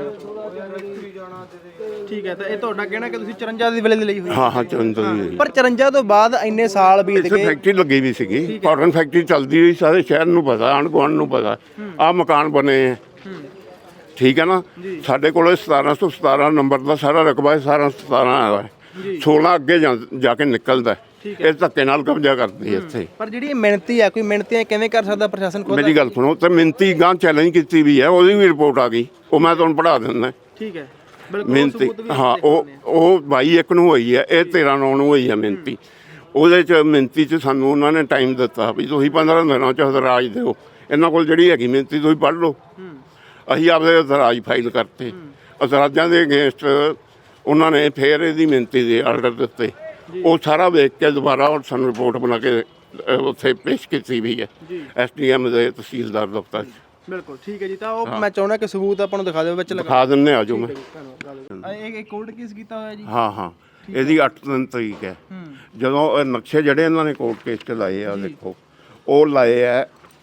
E: ਠੀਕ ਹੈ, ਤਾਂ ਇਹ ਤੁਹਾਡਾ ਕਹਿਣਾ ਕਿ ਤੁਸੀਂ 54 ਦੀ ਵੇਲੇ ਦੀ ਲਈ ਹੋਈ?
D: ਹਾਂ ਹਾਂ 54 ਦੀ।
E: ਪਰ 54 ਤੋਂ ਬਾਅਦ ਇੰਨੇ ਸਾਲ ਬੀਤ
D: ਇੱਥੇ
E: ਗਏ।
D: ਫੈਕਟਰੀ ਲੱਗੀ ਵੀ ਸੀਗੀ, ਕਾਟਨ ਫੈਕਟਰੀ ਚੱਲਦੀ ਰਹੀ, ਸਾਰੇ ਸ਼ਹਿਰ ਨੂੰ ਪਤਾ, ਆਂਢ ਗੁਆਂਢ ਨੂੰ ਪਤਾ। ਆਹ ਮਕਾਨ ਬਣੇ ਹੈ, ਠੀਕ ਹੈ ਨਾ। ਸਾਡੇ ਕੋਲ 1717 ਨੰਬਰ ਦਾ ਸਾਰਾ ਰਕਬਾ ਹੈ, 1717 ਹੈ। 16 ਅੱਗੇ ਜਾ ਕੇ ਨਿਕਲਦਾ, ਇਹ ਧੱਕੇ ਨਾਲ ਕਬਜ਼ਾ ਕਰਦੀ ਹੈ ਇੱਥੇ।
E: ਪਰ ਜਿਹੜੀ ਇਹ ਮਿਹਨਤੀ ਹੈ, ਕੋਈ ਮਿਹਨਤੀਆਂ ਕਿਵੇਂ ਕਰ ਸਕਦਾ ਪ੍ਰਸ਼ਾਸਨ ਖੁਦ?
D: ਮੇਰੀ ਗੱਲ ਸੁਣੋ, ਤੇ ਮਿੰਤੀ ਗਾਂ ਚੈਲੰਜ ਕੀਤੀ ਵੀ ਹੈ, ਉਹਦੀ ਵੀ ਰਿਪੋਰਟ ਆ ਗਈ, ਉਹ ਮੈਂ ਤੁਹਾਨੂੰ ਪੜ੍ਹਾ ਦਿੰਦਾ।
E: ਠੀਕ ਹੈ, ਬਿਲਕੁਲ
D: ਮਿੰਤੀ, ਹਾਂ ਉਹ 22/1 ਨੂੰ ਹੋਈ ਹੈ, ਇਹ 13/9 ਨੂੰ ਹੋਈ ਹੈ ਮਿੰਤੀ। ਉਹਦੇ 'ਚ ਮਿੰਤੀ 'ਚ ਸਾਨੂੰ ਉਹਨਾਂ ਨੇ ਟਾਈਮ ਦਿੱਤਾ ਵੀ ਤੁਸੀਂ 15 ਦਿਨਾਂ 'ਚ ਹਦਰਾਜ ਦਿਓ। ਇਹਨਾਂ ਕੋਲ ਜਿਹੜੀ ਹੈਗੀ ਮਿੰਤੀ ਤੁਸੀਂ ਪੜ੍ਹ ਲਓ। ਅਸੀਂ ਆਪਦੇ ਹਦਰਾਜ ਫਾਈਲ ਕਰਤੇ, ਹਦਰਾਜਾਂ ਦੇ ਅਗੇਂਸਟ ਉਹਨਾਂ ਨੇ ਫੇਰ ਇਹਦੀ ਮਿੰਤੀ ਦੇ ਆਰਡਰ ਦਿੱਤੇ। ਉਹ ਸਾਰਾ ਵੇਖ ਕੇ ਦੁਬਾਰਾ ਸਾਨੂੰ ਰਿਪੋਰਟ ਬਣਾ ਕੇ ਉੱਥੇ ਪੇਸ਼ ਕੀਤੀ ਵੀ ਹੈ SDM ਦੇ ਤਹਿਸੀਲਦਾਰ ਦਫ਼ਤਰ 'ਚ।
E: ਬਿਲਕੁਲ ਠੀਕ ਹੈ ਜੀ। ਤਾਂ ਉਹ ਮੈਂ ਚਾਹੁੰਦਾ ਕਿ ਸਬੂਤ ਆਪਾਂ ਨੂੰ ਦਿਖਾ ਦਿਓ ਵਿੱਚ
D: ਦਿਖਾ ਦਿੰਦੇ ਆ ਜੋ ਮੈਂ।
E: ਇਹ ਕੋਰਟ ਕੇਸ ਕੀਤਾ ਹੋਇਆ ਜੀ?
D: ਹਾਂ ਹਾਂ, ਇਹਦੀ 8 ਤਰੀਕ ਹੈ। ਜਦੋਂ ਇਹ ਨਕਸ਼ੇ ਜਿਹੜੇ ਇਹਨਾਂ ਨੇ ਕੋਰਟ ਕੇਸ 'ਚ ਲਾਏ ਆ, ਦੇਖੋ ਉਹ ਲਾਏ ਆ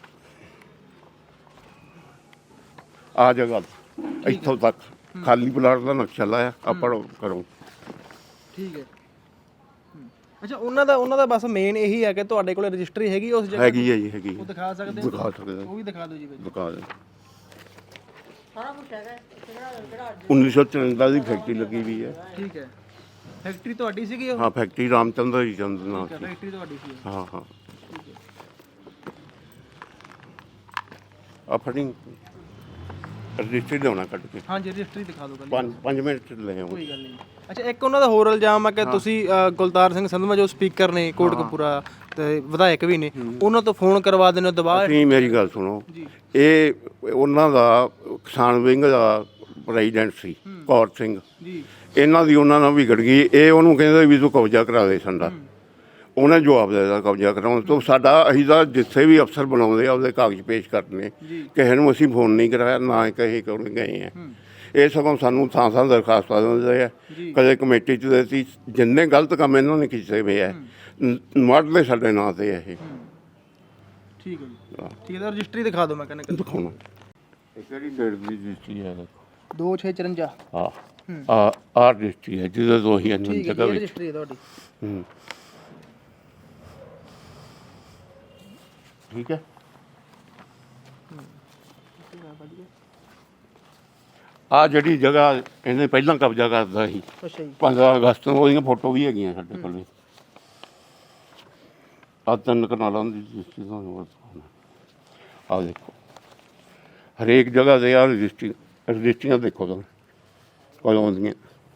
D: ਆ ਜਗ੍ਹਾ ਇੱਥੋਂ ਤੱਕ ਖਾਲੀ ਪਲਾਟ ਦਾ ਨਕਸ਼ਾ ਲਾਇਆ, ਆਪਾਂ ਕਰੋ।
E: ਠੀਕ ਹੈ, ਅੱਛਾ। ਉਹਨਾਂ ਦਾ ਬਸ ਮੇਨ ਇਹੀ ਹੈ ਕਿ ਤੁਹਾਡੇ ਕੋਲ ਰਜਿਸਟਰੀ ਹੈਗੀ ਉਸ ਜਗ੍ਹਾ?
D: ਹੈਗੀ ਹੈ ਜੀ, ਹੈਗੀ।
E: ਉਹ ਦਿਖਾ ਸਕਦੇ ਹੋ?
D: ਦਿਖਾ ਸਕਦੇ
E: ਉਹ ਵੀ ਦਿਖਾ ਦਿਓ ਜੀ।
D: ਦਿਖਾ ਦੇ। 1954 ਦੀ ਫੈਕਟਰੀ ਲੱਗੀ ਵੀ ਹੈ।
E: ਠੀਕ ਹੈ, ਫੈਕਟਰੀ ਤੁਹਾਡੀ ਸੀਗੀ ਉਹ?
D: ਹਾਂ, ਫੈਕਟਰੀ ਰਾਮਚੰਦਰ ਜੀ ਚੰਦ ਨਾਲ ਸੀ।
E: ਫੈਕਟਰੀ ਤੁਹਾਡੀ ਸੀ?
D: ਹਾਂ ਹਾਂ। ਆ ਫਟਿੰਗ ਰਜਿਸਟਰੀ ਲਿਆਉਣਾ ਕੱਢ ਕੇ।
E: ਹਾਂਜੀ, ਰਜਿਸਟਰੀ ਦਿਖਾ ਦਿਓ।
D: 5 ਮਿੰਟ 'ਚ ਲੈ ਆਉਂਗਾ।
E: ਕੋਈ ਗੱਲ ਨਹੀਂ। ਅੱਛਾ, ਇੱਕ ਉਹਨਾਂ ਦਾ ਹੋਰ ਇਲਜ਼ਾਮ ਹੈ ਕਿ ਤੁਸੀਂ ਗੁਲਤਾਰ ਸਿੰਘ ਸੰਧਵਾ ਜੋ ਸਪੀਕਰ ਨੇ ਕੋਟਕਪੂਰਾ ਤੇ ਵਿਧਾਇਕ ਵੀ ਨੇ, ਉਹਨਾਂ ਤੋਂ ਫੋਨ ਕਰਵਾ ਦਿੰਦੇ ਹੋ ਦਬਾਅ?
D: ਤੁਸੀਂ ਮੇਰੀ ਗੱਲ ਸੁਣੋ, ਇਹ ਉਹਨਾਂ ਦਾ ਕਿਸਾਨ ਵਿੰਗ ਦਾ ਪ੍ਰੈਜ਼ੀਡੈਂਟ ਸੀ ਕੌਰ ਸਿੰਘ ਜੀ। ਇਹਨਾਂ ਦੀ ਉਹਨਾਂ ਨਾਲ ਵਿਗੜ ਗਈ। ਇਹ ਉਹਨੂੰ ਕਹਿੰਦੇ ਵੀ ਤੂੰ ਕਬਜ਼ਾ ਕਰਾ ਦੇ ਸਾਡਾ। ਉਹਨੇ ਜਵਾਬ ਦੇ ਦਿੱਤਾ ਕਬਜ਼ਾ ਕਰਾਉਣ ਤੋਂ। ਸਾਡਾ ਅਸੀਂ ਤਾਂ ਜਿੱਥੇ ਵੀ ਅਫਸਰ ਬਣਾਉਂਦੇ ਆ ਉਹਦੇ ਕਾਗਜ਼ ਪੇਸ਼ ਕਰਨੇ, ਕਿਸੇ ਨੂੰ ਅਸੀਂ ਫੋਨ ਨਹੀਂ ਕਰਾਇਆ, ਨਾ ਕਹੇ ਕਰਨ ਗਏ ਆ। ਇਹ ਸਗੋਂ ਸਾਨੂੰ ਥਾਂ ਦਰਖਾਸਤਾਂ ਦਿੰਦੇ ਆ, ਕਦੇ ਕਮੇਟੀ 'ਚ ਦਿੱਤੀ। ਜਿੰਨੇ ਗਲਤ ਕੰਮ ਇਹਨਾਂ ਨੇ ਕੀਤੇ ਹੋਏ ਆ ਮੜਦੇ ਸਾਡੇ ਨਾਂ ਤੇ ਇਹ।
E: ਠੀਕ ਹੈ ਜੀ, ਠੀਕ ਹੈ। ਰਜਿਸਟਰੀ ਦਿਖਾ ਦਿਓ, ਮੈਂ ਕਹਿੰਦਾ
D: ਦਿਖਾਉਣਾ। ਇਹ ਕਿਹੜੀ ਡੇਟ ਦੀ ਰਜਿਸਟਰੀ ਹੈ?
E: 2654।
D: ਹਾਂ, ਆ ਰਜਿਸਟਰੀ ਹੈ ਜਿਹਦੇ ਤੋਂ ਹੀ ਇਹਨਾਂ ਜਗ੍ਹਾ ਵਿੱਚ
E: ਰਜਿਸਟਰੀ ਹੈ ਤੁਹਾਡੀ।
D: ਠੀਕ ਹੈ। ਆ ਜਿਹੜੀ ਜਗ੍ਹਾ ਇਹਨੇ ਪਹਿਲਾਂ ਕਬਜ਼ਾ ਕਰਦਾ ਸੀ, 15 ਅਗਸਤ ਨੂੰ, ਉਹਦੀਆਂ ਫੋਟੋ ਵੀ ਹੈਗੀਆਂ ਸਾਡੇ ਕੋਲ। ਆ 3 ਕਨਾਲਾਂ ਦੀ ਰਜਿਸਟਰੀ ਤੁਹਾਨੂੰ ਆ ਦੇਖੋ, ਹਰੇਕ ਜਗ੍ਹਾ ਤੇ ਆ ਰਜਿਸਟਰੀਆਂ ਦੇਖੋ ਤੁਸੀਂ ਕਦੋਂ ਦੀਆਂ।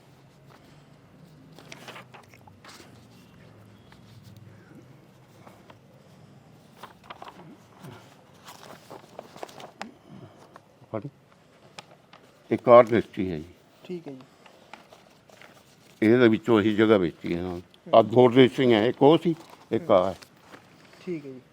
D: ਇੱਕ ਆਰ ਰਜਿਸਟਰੀ ਹੈ ਜੀ।
E: ਠੀਕ ਹੈ ਜੀ।
D: ਇਹਦੇ ਵਿੱਚੋਂ ਅਸੀਂ ਜਗ੍ਹਾ ਵੇਚੀ ਹੈ। ਆ 2 ਰਜਿਸਟਰੀਆਂ, ਇੱਕ ਉਹ ਸੀ, ਇੱਕ ਆ ਹੈ।
E: ਠੀਕ ਹੈ ਜੀ।